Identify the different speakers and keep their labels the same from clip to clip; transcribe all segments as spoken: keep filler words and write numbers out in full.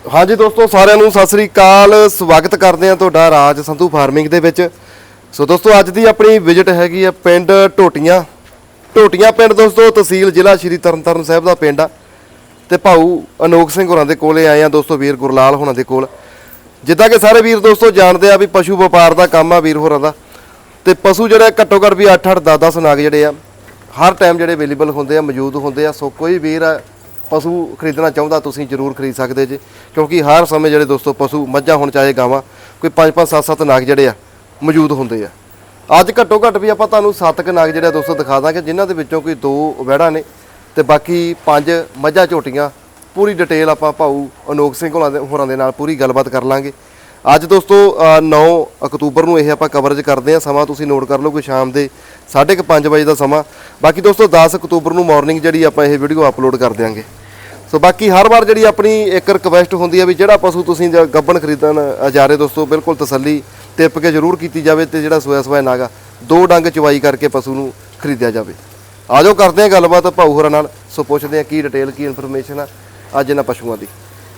Speaker 1: हाँ जी दोस्तों साਰਿਆਂ ਨੂੰ ਸਤਿ ਸ੍ਰੀ ਅਕਾਲ ਸਵਾਗਤ ਕਰਦੇ ਹਾਂ ਤੁਹਾਡਾ ਰਾਜ ਸੰਧੂ ਫਾਰਮਿੰਗ ਦੇ ਵਿੱਚ। ਸੋ ਦੋਸਤੋ ਅੱਜ ਦੀ ਆਪਣੀ ਵਿਜ਼ਿਟ ਹੈਗੀ ਆ ਪਿੰਡ ਢੋਟੀਆਂ ਢੋਟੀਆਂ ਪਿੰਡ ਦੋਸਤੋ ਤਹਿਸੀਲ ਜ਼ਿਲ੍ਹਾ ਸ਼੍ਰੀ ਤਰਨਤਾਰਨ ਸਾਹਿਬ ਦਾ ਪਿੰਡ ਆ ਤੇ ਭਾਊ ਅਨੋਖ ਸਿੰਘ ਹੋਰਾਂ ਦੇ ਕੋਲੇ ਆਏ ਆ ਦੋਸਤੋ ਵੀਰ ਗੁਰਲਾਲ ਹੋਰਾਂ ਦੇ ਕੋਲ। ਜਿੱਦਾਂ ਕਿ ਸਾਰੇ ਵੀਰ ਦੋਸਤੋ ਜਾਣਦੇ ਆ ਵੀ ਪਸ਼ੂ ਵਪਾਰ ਦਾ ਕੰਮ ਆ ਵੀਰ ਹੋਰਾਂ ਦਾ ਤੇ ਪਸ਼ੂ ਜਿਹੜੇ ਘੱਟੋ ਘੱਟ ਵੀ ਅੱਠ ਅੱਠ ਦਸ ਦਸ ਨਾਗ ਜਿਹੜੇ ਆ ਹਰ ਟਾਈਮ ਜਿਹੜੇ ਅਵੇਲੇਬਲ ਹੁੰਦੇ ਆ ਮੌਜੂਦ ਹੁੰਦੇ ਆ। ਸੋ ਕੋਈ ਵੀਰ ਪਸ਼ੂ ਖਰੀਦਣਾ ਚਾਹੁੰਦਾ ਤੁਸੀਂ ਜ਼ਰੂਰ ਖਰੀਦ ਸਕਦੇ ਜੇ ਕਿਉਂਕਿ ਹਰ ਸਮੇਂ ਜਿਹੜੇ ਦੋਸਤੋ ਪਸ਼ੂ ਮੱਝਾਂ ਹੁਣ ਚਾਹੇ ਗਾਵਾਂ ਕੋਈ ਪੰਜ ਪੰਜ ਸੱਤ ਸੱਤ ਨਾਗ ਜਿਹੜੇ ਆ ਮੌਜੂਦ ਹੁੰਦੇ ਆ। ਅੱਜ ਘੱਟੋ ਘੱਟ ਵੀ ਆਪਾਂ ਤੁਹਾਨੂੰ ਸੱਤ ਕੁ ਨਾਗ ਜਿਹੜੇ ਦੋਸਤੋ ਦਿਖਾ ਦਾਂਗੇ ਜਿਨ੍ਹਾਂ ਦੇ ਵਿੱਚੋਂ ਕੋਈ ਦੋ ਵਹਿੜਾਂ ਨੇ ਤੇ ਬਾਕੀ ਪੰਜ ਮੱਝਾਂ ਝੋਟੀਆਂ। ਪੂਰੀ ਡਿਟੇਲ ਆਪਾਂ ਭਾਊ ਅਨੋਖ ਸਿੰਘ ਹੋਰਾਂ ਦੇ ਹੋਰਾਂ ਦੇ ਨਾਲ ਪੂਰੀ ਗੱਲਬਾਤ ਕਰ ਲਾਂਗੇ। ਅੱਜ ਦੋਸਤੋ ਨੌ ਅਕਤੂਬਰ ਨੂੰ ਇਹ ਆਪਾਂ ਕਵਰੇਜ ਕਰਦੇ ਆ। ਸਮਾਂ ਤੁਸੀਂ ਨੋਟ ਕਰ ਲਓ ਕੋਈ ਸ਼ਾਮ ਦੇ ਸਾਢੇ ਕੁ ਪੰਜ ਵਜੇ ਦਾ ਸਮਾਂ। ਬਾਕੀ ਦੋਸਤੋ ਦਸ ਅਕਤੂਬਰ ਨੂੰ ਮਾਰਨਿੰਗ ਜਿਹੜੀ ਆਪਾਂ ਇਹ ਵੀਡੀਓ ਅਪਲੋਡ ਕਰ ਦਿਆਂਗੇ। ਸੋ ਬਾਕੀ ਹਰ ਵਾਰ ਜਿਹੜੀ ਆਪਣੀ ਇੱਕ ਰਿਕਵੈਸਟ ਹੁੰਦੀ ਹੈ ਵੀ ਜਿਹੜਾ ਪਸ਼ੂ ਤੁਸੀਂ ਗੱਬਣ ਖਰੀਦਣ ਜਾ ਰਹੇ ਦੋਸਤੋ ਬਿਲਕੁਲ ਤਸੱਲੀ ਟਿੱਪ ਕੇ ਜ਼ਰੂਰ ਕੀਤੀ ਜਾਵੇ ਤੇ ਜਿਹੜਾ ਸੋਇਆ ਸੋਇਆ ਨਾਗਾ ਦੋ ਡੰਗ ਚਵਾਈ ਕਰਕੇ ਪਸ਼ੂ ਨੂੰ ਖਰੀਦਿਆ ਜਾਵੇ। ਆਜੋ ਕਰਦੇ ਆ ਗੱਲਬਾਤ ਭਾਊ ਹੋਰਾਂ ਨਾਲ। ਸੋ ਪੁੱਛਦੇ ਆ ਕੀ ਡਿਟੇਲ ਕੀ ਇਨਫੋਰਮੇਸ਼ਨ ਆ ਅੱਜ ਇਹਨਾਂ ਪਸ਼ੂਆਂ ਦੀ।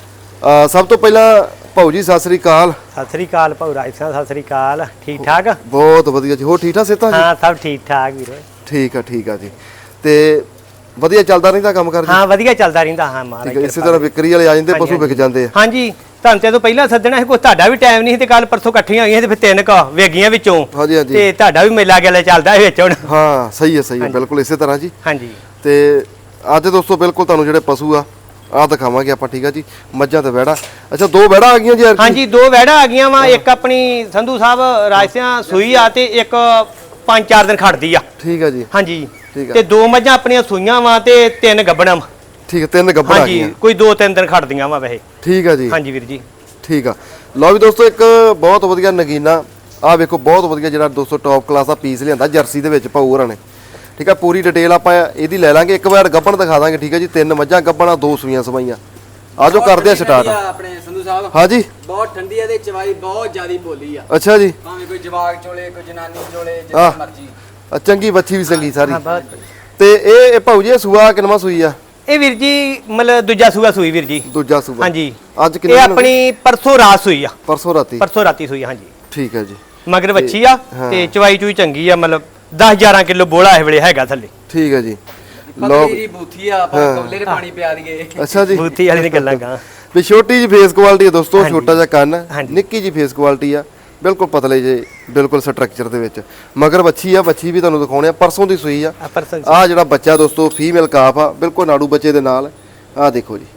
Speaker 1: ਸਭ ਤੋਂ ਪਹਿਲਾਂ ਭਾਊ ਜੀ ਸਤਿ ਸ੍ਰੀ ਅਕਾਲ।
Speaker 2: ਸਤਿ ਸ੍ਰੀ ਅਕਾਲ ਭਾਊ ਰਾਜ ਸਿੰਘ ਸਤਿ ਸ੍ਰੀ ਅਕਾਲ। ਠੀਕ ਠਾਕ?
Speaker 1: ਬਹੁਤ ਵਧੀਆ ਜੀ। ਹੋਰ ਠੀਕ ਠਾਕ ਸਿਹਤਾਂ ਜੀ?
Speaker 2: ਹਾਂ ਸਭ ਠੀਕ ਠਾਕ ਵੀਰੇ।
Speaker 1: ਠੀਕ ਆ ਠੀਕ ਆ ਜੀ। ਤੇ ਵਧੀਆ ਚੱਲਦਾ ਰਹਿੰਦਾ ਕੰਮ ਕਰ ਜੀ?
Speaker 2: ਹਾਂ ਵਧੀਆ ਚੱਲਦਾ ਰਹਿੰਦਾ। ਹਾਂ ਮਹਾਰਾਜ
Speaker 1: ਇਸੇ ਤਰ੍ਹਾਂ ਵਿਕਰੀ ਵਾਲੇ ਆ ਜਾਂਦੇ ਪਸ਼ੂ ਵਿਕ ਜਾਂਦੇ ਆ।
Speaker 2: ਹਾਂਜੀ ਤੁਹਾਨੂੰ ਤੇ ਤੋਂ ਪਹਿਲਾਂ ਸੱਦਣਾ ਸੀ ਕੋਈ ਤੁਹਾਡਾ ਵੀ ਟਾਈਮ ਨਹੀਂ ਸੀ ਤੇ ਕੱਲ ਪਰਸੋਂ ਇਕੱਠੀਆਂ ਹੋਈਆਂ ਤੇ ਫਿਰ ਤਿੰਨ ਕ ਵੇਗੀਆਂ ਵਿੱਚੋਂ। ਹਾਂਜੀ ਹਾਂਜੀ ਤੇ ਤੁਹਾਡਾ ਵੀ ਮੇਲਾ ਗਿਆ ਚੱਲਦਾ ਵਿੱਚ ਹੁਣ।
Speaker 1: ਹਾਂ ਸਹੀ ਹੈ ਸਹੀ ਹੈ ਬਿਲਕੁਲ ਇਸੇ ਤਰ੍ਹਾਂ ਜੀ।
Speaker 2: ਹਾਂਜੀ
Speaker 1: ਤੇ ਅੱਜ ਦੋਸਤੋ ਬਿਲਕੁਲ ਤੁਹਾਨੂੰ ਜਿਹੜੇ ਪਸ਼ੂ ਆ ਆਹ ਦਿਖਾਵਾਂਗੇ ਆਪਾਂ। ਠੀਕ ਆ ਜੀ ਮੱਝਾਂ ਤੇ ਵਹਿੜਾ। ਅੱਛਾ ਦੋ ਵਹਿੜਾ ਆ ਗਈਆਂ ਜੀ?
Speaker 2: ਹਾਂਜੀ ਦੋ ਵਹਿੜਾ ਆ ਗਈਆਂ ਵਾ। ਇੱਕ ਆਪਣੀ ਸੰਧੂ ਸਾਹਿਬ ਰਾਜਸਿਆਂ ਸੂਈ ਆ ਤੇ ਇੱਕ ਪੰਜ ਚਾਰ ਦਿਨ ਖੜਦੀ ਆ। ਠੀਕ ਆ ਜੀ। ਹਾਂਜੀ ਤੇ ਦੋ ਮੱਝਾਂ ਆਪਣੀਆਂ ਸੂਈਆਂ ਵਾ ਤੇ ਤਿੰਨ ਗੱਬਣਾਂ। ਠੀਕ ਹੈ ਤਿੰਨ ਗੱਬਣਾਂ ਆ ਗਈਆਂ। ਹਾਂਜੀ ਕੋਈ ਦੋ ਤਿੰਨ ਦਿਨ ਖੜਦੀਆਂ ਵਾ ਵੈਸੇ। ਠੀਕ ਆ ਜੀ। ਹਾਂਜੀ ਵੀਰ ਜੀ ਠੀਕ ਆ। ਲਓ ਵੀ ਦੋਸਤੋ ਇੱਕ ਬਹੁਤ ਵਧੀਆ ਨਗੀਨਾ ਆਹ ਵੇਖੋ ਬਹੁਤ ਵਧੀਆ ਜਿਹੜਾ ਦੋਸਤੋ ਟੌਪ ਕਲਾਸ ਦਾ ਪੀਸ ਲਿਆਂਦਾ ਜਰਸੀ ਦੇ ਵਿੱਚ ਭਾਊ ਹੋਰਾਂ ਨੇ। ਠੀਕ ਆ ਪੂਰੀ ਡਿਟੇਲ ਆਪਾਂ ਇਹਦੀ ਲੈ ਲਾਂਗੇ। ਇੱਕ ਵਾਰ ਗੱਬਣ ਦਿਖਾ ਦਾਂਗੇ। ਠੀਕ ਆ ਜੀ ਤਿੰਨ ਮੱਝਾਂ ਗੱਬਣਾਂ ਦੋ ਸੂਈਆਂ ਸਵਾਈਆਂ। ਆਜੋ ਕਰਦੇ ਆ ਸਟਾਰਟ।
Speaker 3: ਆਪਣੇ ਸੰਧੂ ਸਾਹਿਬ
Speaker 1: ਹਾਂਜੀ ਬਹੁਤ
Speaker 3: ਠੰਡੀ ਆ ਤੇ ਚਵਾਈ ਬਹੁਤ ਜ਼ਿਆਦੀ ਬੋਲੀ ਆ।
Speaker 1: ਅੱਛਾ ਜੀ।
Speaker 3: ਭਾਵੇਂ ਕੋਈ ਜਵਾਗ ਚੋਲੇ ਕੋਈ ਜਨਾਨੀ ਚੋਲੇ ਜਿੰਨਾ ਮਰਜੀ
Speaker 1: ਚੰਗੀ ਬੱਚੀ ਵੀ ਚੰਗੀ ਸਾਰੀ। ਤੇ ਇਹ ਭਾਊ ਜੀ ਸੂਆ ਕਿੰਨਵਾਂ ਸੂਈ ਆ?
Speaker 2: ਇਹ ਵੀਰ ਜੀ ਮਤਲਬ ਦੂਜਾ ਸੂਆ ਸੂਈ ਵੀਰ ਜੀ।
Speaker 1: ਦੂਜਾ ਸੂਆ
Speaker 2: ਹਾਂਜੀ।
Speaker 1: ਅੱਜ ਕਿੰਨੇ
Speaker 2: ਇਹ ਆਪਣੀ ਪਰਸੋਂ ਰਾਤ ਸੂਈ ਆ।
Speaker 1: ਪਰਸੋਂ ਰਾਤੀ? ਪਰਸੋਂ
Speaker 2: ਰਾਤੀ ਸੂਈ। ਹਾਂਜੀ ਠੀਕ
Speaker 1: ਹੈ ਜੀ।
Speaker 2: ਮਗਰ ਬੱਚੀ ਆ ਤੇ ਚਵਾਈ ਚੂਈ ਚੰਗੀ ਆ ਮਤਲਬ ਦਸ ਗਿਆਰਾਂ ਕਿਲੋ ਬੋਲਾ ਇਹ ਵੇਲੇ ਹੈਗਾ ਥੱਲੇ।
Speaker 1: ਠੀਕ ਹੈ ਜੀ।
Speaker 3: ਲੋ ਜੀ ਬੂਥੀ ਆ ਆਪਾਂ ਕੋਲੇ ਦੇ ਪਾਣੀ ਪਿਆ ਦਈਏ।
Speaker 1: ਅੱਛਾ ਜੀ
Speaker 2: ਬੂਥੀ ਵਾਲੀ ਦੀ ਗੱਲਾਂ ਗਾ
Speaker 1: ਵੀ ਛੋਟੀ ਜੀ ਫੇਸ ਕੁਆਲਿਟੀ ਹੈ ਦੋਸਤੋ। ਛੋਟਾ ਜਿਹਾ ਕੰਨ ਨਿੱਕੀ ਜੀ ਫੇਸ ਕੁਆਲਿਟੀ ਆ ਬਿਲਕੁਲ ਪਤਲੇ ਜੇ ਬਿਲਕੁਲ ਸਟਰਕਚਰ ਦੇ ਵਿੱਚ। ਮਗਰ ਬੱਚੀ ਆ ਬੱਚੀ ਵੀ ਤੁਹਾਨੂੰ ਦਿਖਾਉਣੇ ਆ ਪਰਸੋਂ ਦੀ ਸੂਈ ਆ। ਆ ਜਿਹੜਾ ਬੱਚਾ ਦੋਸਤੋ ਫੀਮੇਲ ਕਾਫ ਆ ਬਿਲਕੁਲ ਨਾੜੂ ਬੱਚੇ ਦੇ ਨਾਲ। ਆਹ ਦੇਖੋ ਜੀ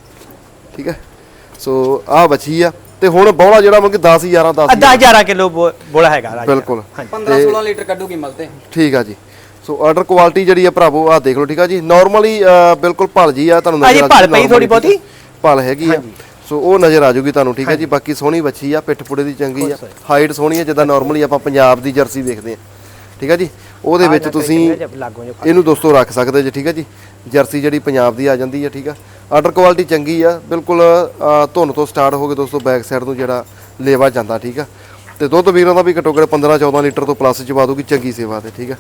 Speaker 1: ਠੀਕ ਹੈ। ਸੋ ਆਹ ਬੱਚੀ ਆ ਤੇ ਹੁਣ ਬੋਲਾ ਜਿਹੜਾ ਮੰਗੇ ਦਸ ਗਿਆਰਾਂ ਦਸ
Speaker 2: ਦਸ ਗਿਆਰਾਂ ਕਿਲੋ ਬੋਲਾ ਹੈਗਾ
Speaker 1: ਬਿਲਕੁਲ
Speaker 3: ਪੰਦਰਾਂ ਸੋਲਾਂ ਲੀਟਰ ਕੱਢੂਗੀ ਮਿਲ ਤੇ।
Speaker 1: ਠੀਕ ਆ ਜੀ। ਸੋ ਆਰਡਰ ਕੁਆਲਿਟੀ ਜਿਹੜੀ ਆ ਭਰਾਵੋ ਆਹ ਦੇਖ ਲਓ। ਠੀਕ ਆ ਜੀ ਨਾਰਮਲੀ ਬਿਲਕੁਲ ਭਲ ਜੀ ਆ ਤੁਹਾਨੂੰ
Speaker 2: ਨਜ਼ਰ ਭਲ ਪਈ ਥੋੜੀ ਬਹੁਤੀ
Speaker 1: ਭਲ ਹੈਗੀ ਆ। ਸੋ ਉਹ ਨਜ਼ਰ ਆ ਜਾਊਗੀ ਤੁਹਾਨੂੰ। ਠੀਕ ਹੈ ਜੀ। ਬਾਕੀ ਸੋਹਣੀ ਬੱਚੀ ਆ ਪਿੱਠ ਪੁੜੇ ਦੀ ਚੰਗੀ ਆ ਹਾਈਟ ਸੋਹਣੀ ਆ ਜਿੱਦਾਂ ਨਾਰਮਲੀ ਆਪਾਂ ਪੰਜਾਬ ਦੀ ਜਰਸੀ ਵੇਖਦੇ ਆ। ਠੀਕ ਹੈ ਜੀ ਉਹਦੇ ਵਿੱਚ ਤੁਸੀਂ ਇਹਨੂੰ ਦੋਸਤੋ ਰੱਖ ਸਕਦੇ ਜੀ। ਠੀਕ ਹੈ ਜੀ ਜਰਸੀ ਜਿਹੜੀ ਪੰਜਾਬ ਦੀ ਆ ਜਾਂਦੀ ਆ। ਠੀਕ ਆ ਆਰਡਰ ਕੁਆਲਿਟੀ ਚੰਗੀ ਆ ਬਿਲਕੁਲ ਧੁੰਨ ਤੋਂ ਸਟਾਰਟ ਹੋ ਕੇ ਦੋਸਤੋ ਬੈਕ ਸਾਈਡ ਨੂੰ ਜਿਹੜਾ ਲੇਵਾ ਜਾਂਦਾ। ਠੀਕ ਆ ਤੇ ਦੁੱਧ ਵੀਰਾਂ ਦਾ ਵੀ ਘੱਟੋ ਘੱਟ ਪੰਦਰਾਂ ਚੌਦਾਂ ਲੀਟਰ ਤੋਂ ਪਲੱਸ ਚਵਾ ਦੂਗੀ ਚੰਗੀ ਸੇਵਾ ਤੇ। ਠੀਕ ਆ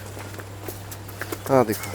Speaker 1: ਆਹ ਦੇਖੋ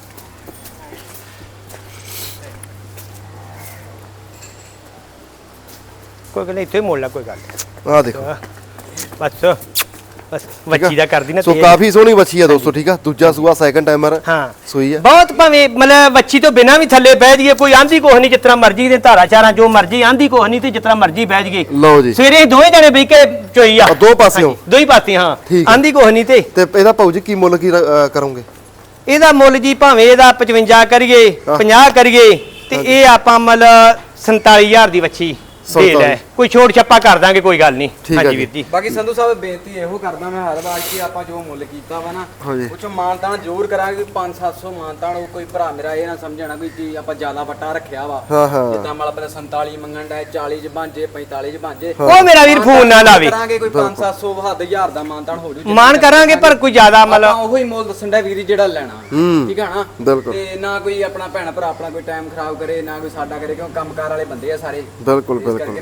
Speaker 2: ਕੋਈ ਗੱਲ ਇੱਥੇ ਮੋੜ ਲਾ ਕੋਈ ਗੱਲ।
Speaker 1: ਆਹ ਦੇਖੋ
Speaker 2: ਬਸ ਬਸ ਬੱਚੀ ਦਾ ਕਰਦੀ ਨਾ।
Speaker 1: ਸੋ ਕਾਫੀ ਸੋਹਣੀ ਬੱਚੀ ਆ ਦੋਸਤੋ। ਠੀਕ ਆ ਦੂਜਾ ਸੂਆ ਸੈਕੰਡ ਟਾਈਮਰ
Speaker 2: ਹਾਂ
Speaker 1: ਸੂਈ ਆ
Speaker 2: ਬਹੁਤ ਭਾਵੇਂ ਮਤਲਬ ਬੱਚੀ ਤੋਂ ਬਿਨਾ ਵੀ ਥੱਲੇ ਬਹਿ ਜੀਏ ਕੋਈ ਆਂਦੀ ਕੋਹ ਨਹੀਂ ਜਿਤਨਾ ਮਰਜੀ ਦੇ ਧਾਰਾ ਚਾਰਾਂ ਜੋ ਮਰਜੀ ਆਂਦੀ ਕੋਹ ਨਹੀਂ ਤੇ ਜਿਤਨਾ ਮਰਜੀ ਬਹਿ ਜੀਏ।
Speaker 1: ਲਓ ਜੀ ਸਵੇਰੇ
Speaker 2: ਦੋਵੇਂ ਜਣੇ ਬਈ ਕੇ ਚੋਈ ਆ
Speaker 1: ਦੋ ਪਾਸਿਓਂ
Speaker 2: ਦੋ ਹੀ ਪਾਸੇ। ਹਾਂ ਆਂਦੀ ਕੋਹ ਨਹੀਂ ਤੇ
Speaker 1: ਤੇ ਇਹਦਾ ਭਾਊ ਜੀ ਕੀ ਮੁੱਲ ਕੀ ਕਰੋਗੇ?
Speaker 2: ਇਹਦਾ ਮੁੱਲ ਜੀ ਭਾਵੇਂ ਇਹਦਾ ਪਚਵੰਜਾ ਕਰੀਏ ਪੰਜਾਹ ਕਰੀਏ ਤੇ ਇਹ ਆਪਾਂ ਮਤਲਬ ਸੰਤਾਲੀ ਹਜ਼ਾਰ ਦੀ ਬੱਚੀ ਦੇ ਲੈ ਕੋਈ ਛੋਟ ਛੱਪਾ ਕਰ ਦਾਂਗੇ ਕੋਈ ਗੱਲ ਨਹੀਂ। ਹਾਂਜੀ ਵੀਰ ਜੀ
Speaker 3: ਬਾਕੀ ਸੰਧੂ ਸਾਹਿਬ ਬੇਨਤੀ ਇਹੋ ਕਰਦਾ ਮੈਂ ਹਰ ਵਾਰ ਕਿ ਆਪਾਂ ਜੋ ਮੁੱਲ ਕੀਤਾ ਵਾ ਨਾ ਉਹ ਚੋਂ ਮਾਨਤਾਨ ਜ਼ਰੂਰ ਕਰਾਂਗੇ। ਪੰਜ ਸੱਤ ਸੌ ਮਾਨਤਾਨ ਉਹ ਕੋਈ ਭਰਾ ਮੇਰਾ ਇਹ ਨਾ ਸਮਝਣਾ ਕੋਈ ਜੀ ਆਪਾਂ ਜ਼ਿਆਦਾ ਵੱਟਾ ਰੱਖਿਆ ਵਾ ਜਿੱਦਾਂ ਮਤਲਬ ਸੰਤਾਲੀ ਮੰਗਣ ਦਾ ਚਾਲੀ ਚ ਬਾਂਝੇ ਪੈਂਤਾਲੀ ਚ ਬਾਂਝੇ
Speaker 2: ਉਹ ਮੇਰਾ ਵੀਰ ਫੋਨ ਨਾ ਲਾਵੇ
Speaker 3: ਕਰਾਂਗੇ ਕੋਈ ਪੰਜ ਸੱਤ ਸੌ ਹੱਦ ਹਜ਼ਾਰ ਦਾ ਮਾਨਤਾਨ ਹੋ ਜੂ
Speaker 2: ਮਾਨ ਕਰਾਂਗੇ ਪਰ ਕੋਈ ਜ਼ਿਆਦਾ ਮਤਲਬ
Speaker 3: ਉਹੀ ਮੁੱਲ ਦੱਸਣ ਦਾ ਵੀਰ ਜਿਹੜਾ ਲੈਣਾ। ਠੀਕ ਹੈ ਨਾ ਤੇ ਨਾ ਕੋਈ ਆਪਣਾ ਭੈਣ ਭਰਾ ਆਪਣਾ ਕੋਈ ਟਾਈਮ ਖਰਾਬ ਕਰੇ ਨਾ ਕੋਈ ਸਾਡਾ ਕਰੇ ਕਿਉਂ ਕੰਮਕਾਰ ਵਾਲੇ ਬੰਦੇ ਆ ਸਾਰੇ।
Speaker 1: ਬਿਲਕੁਲ ਬਿਲਕੁਲ
Speaker 3: ਮੇਰੀ ਗੱਲ ਦਾ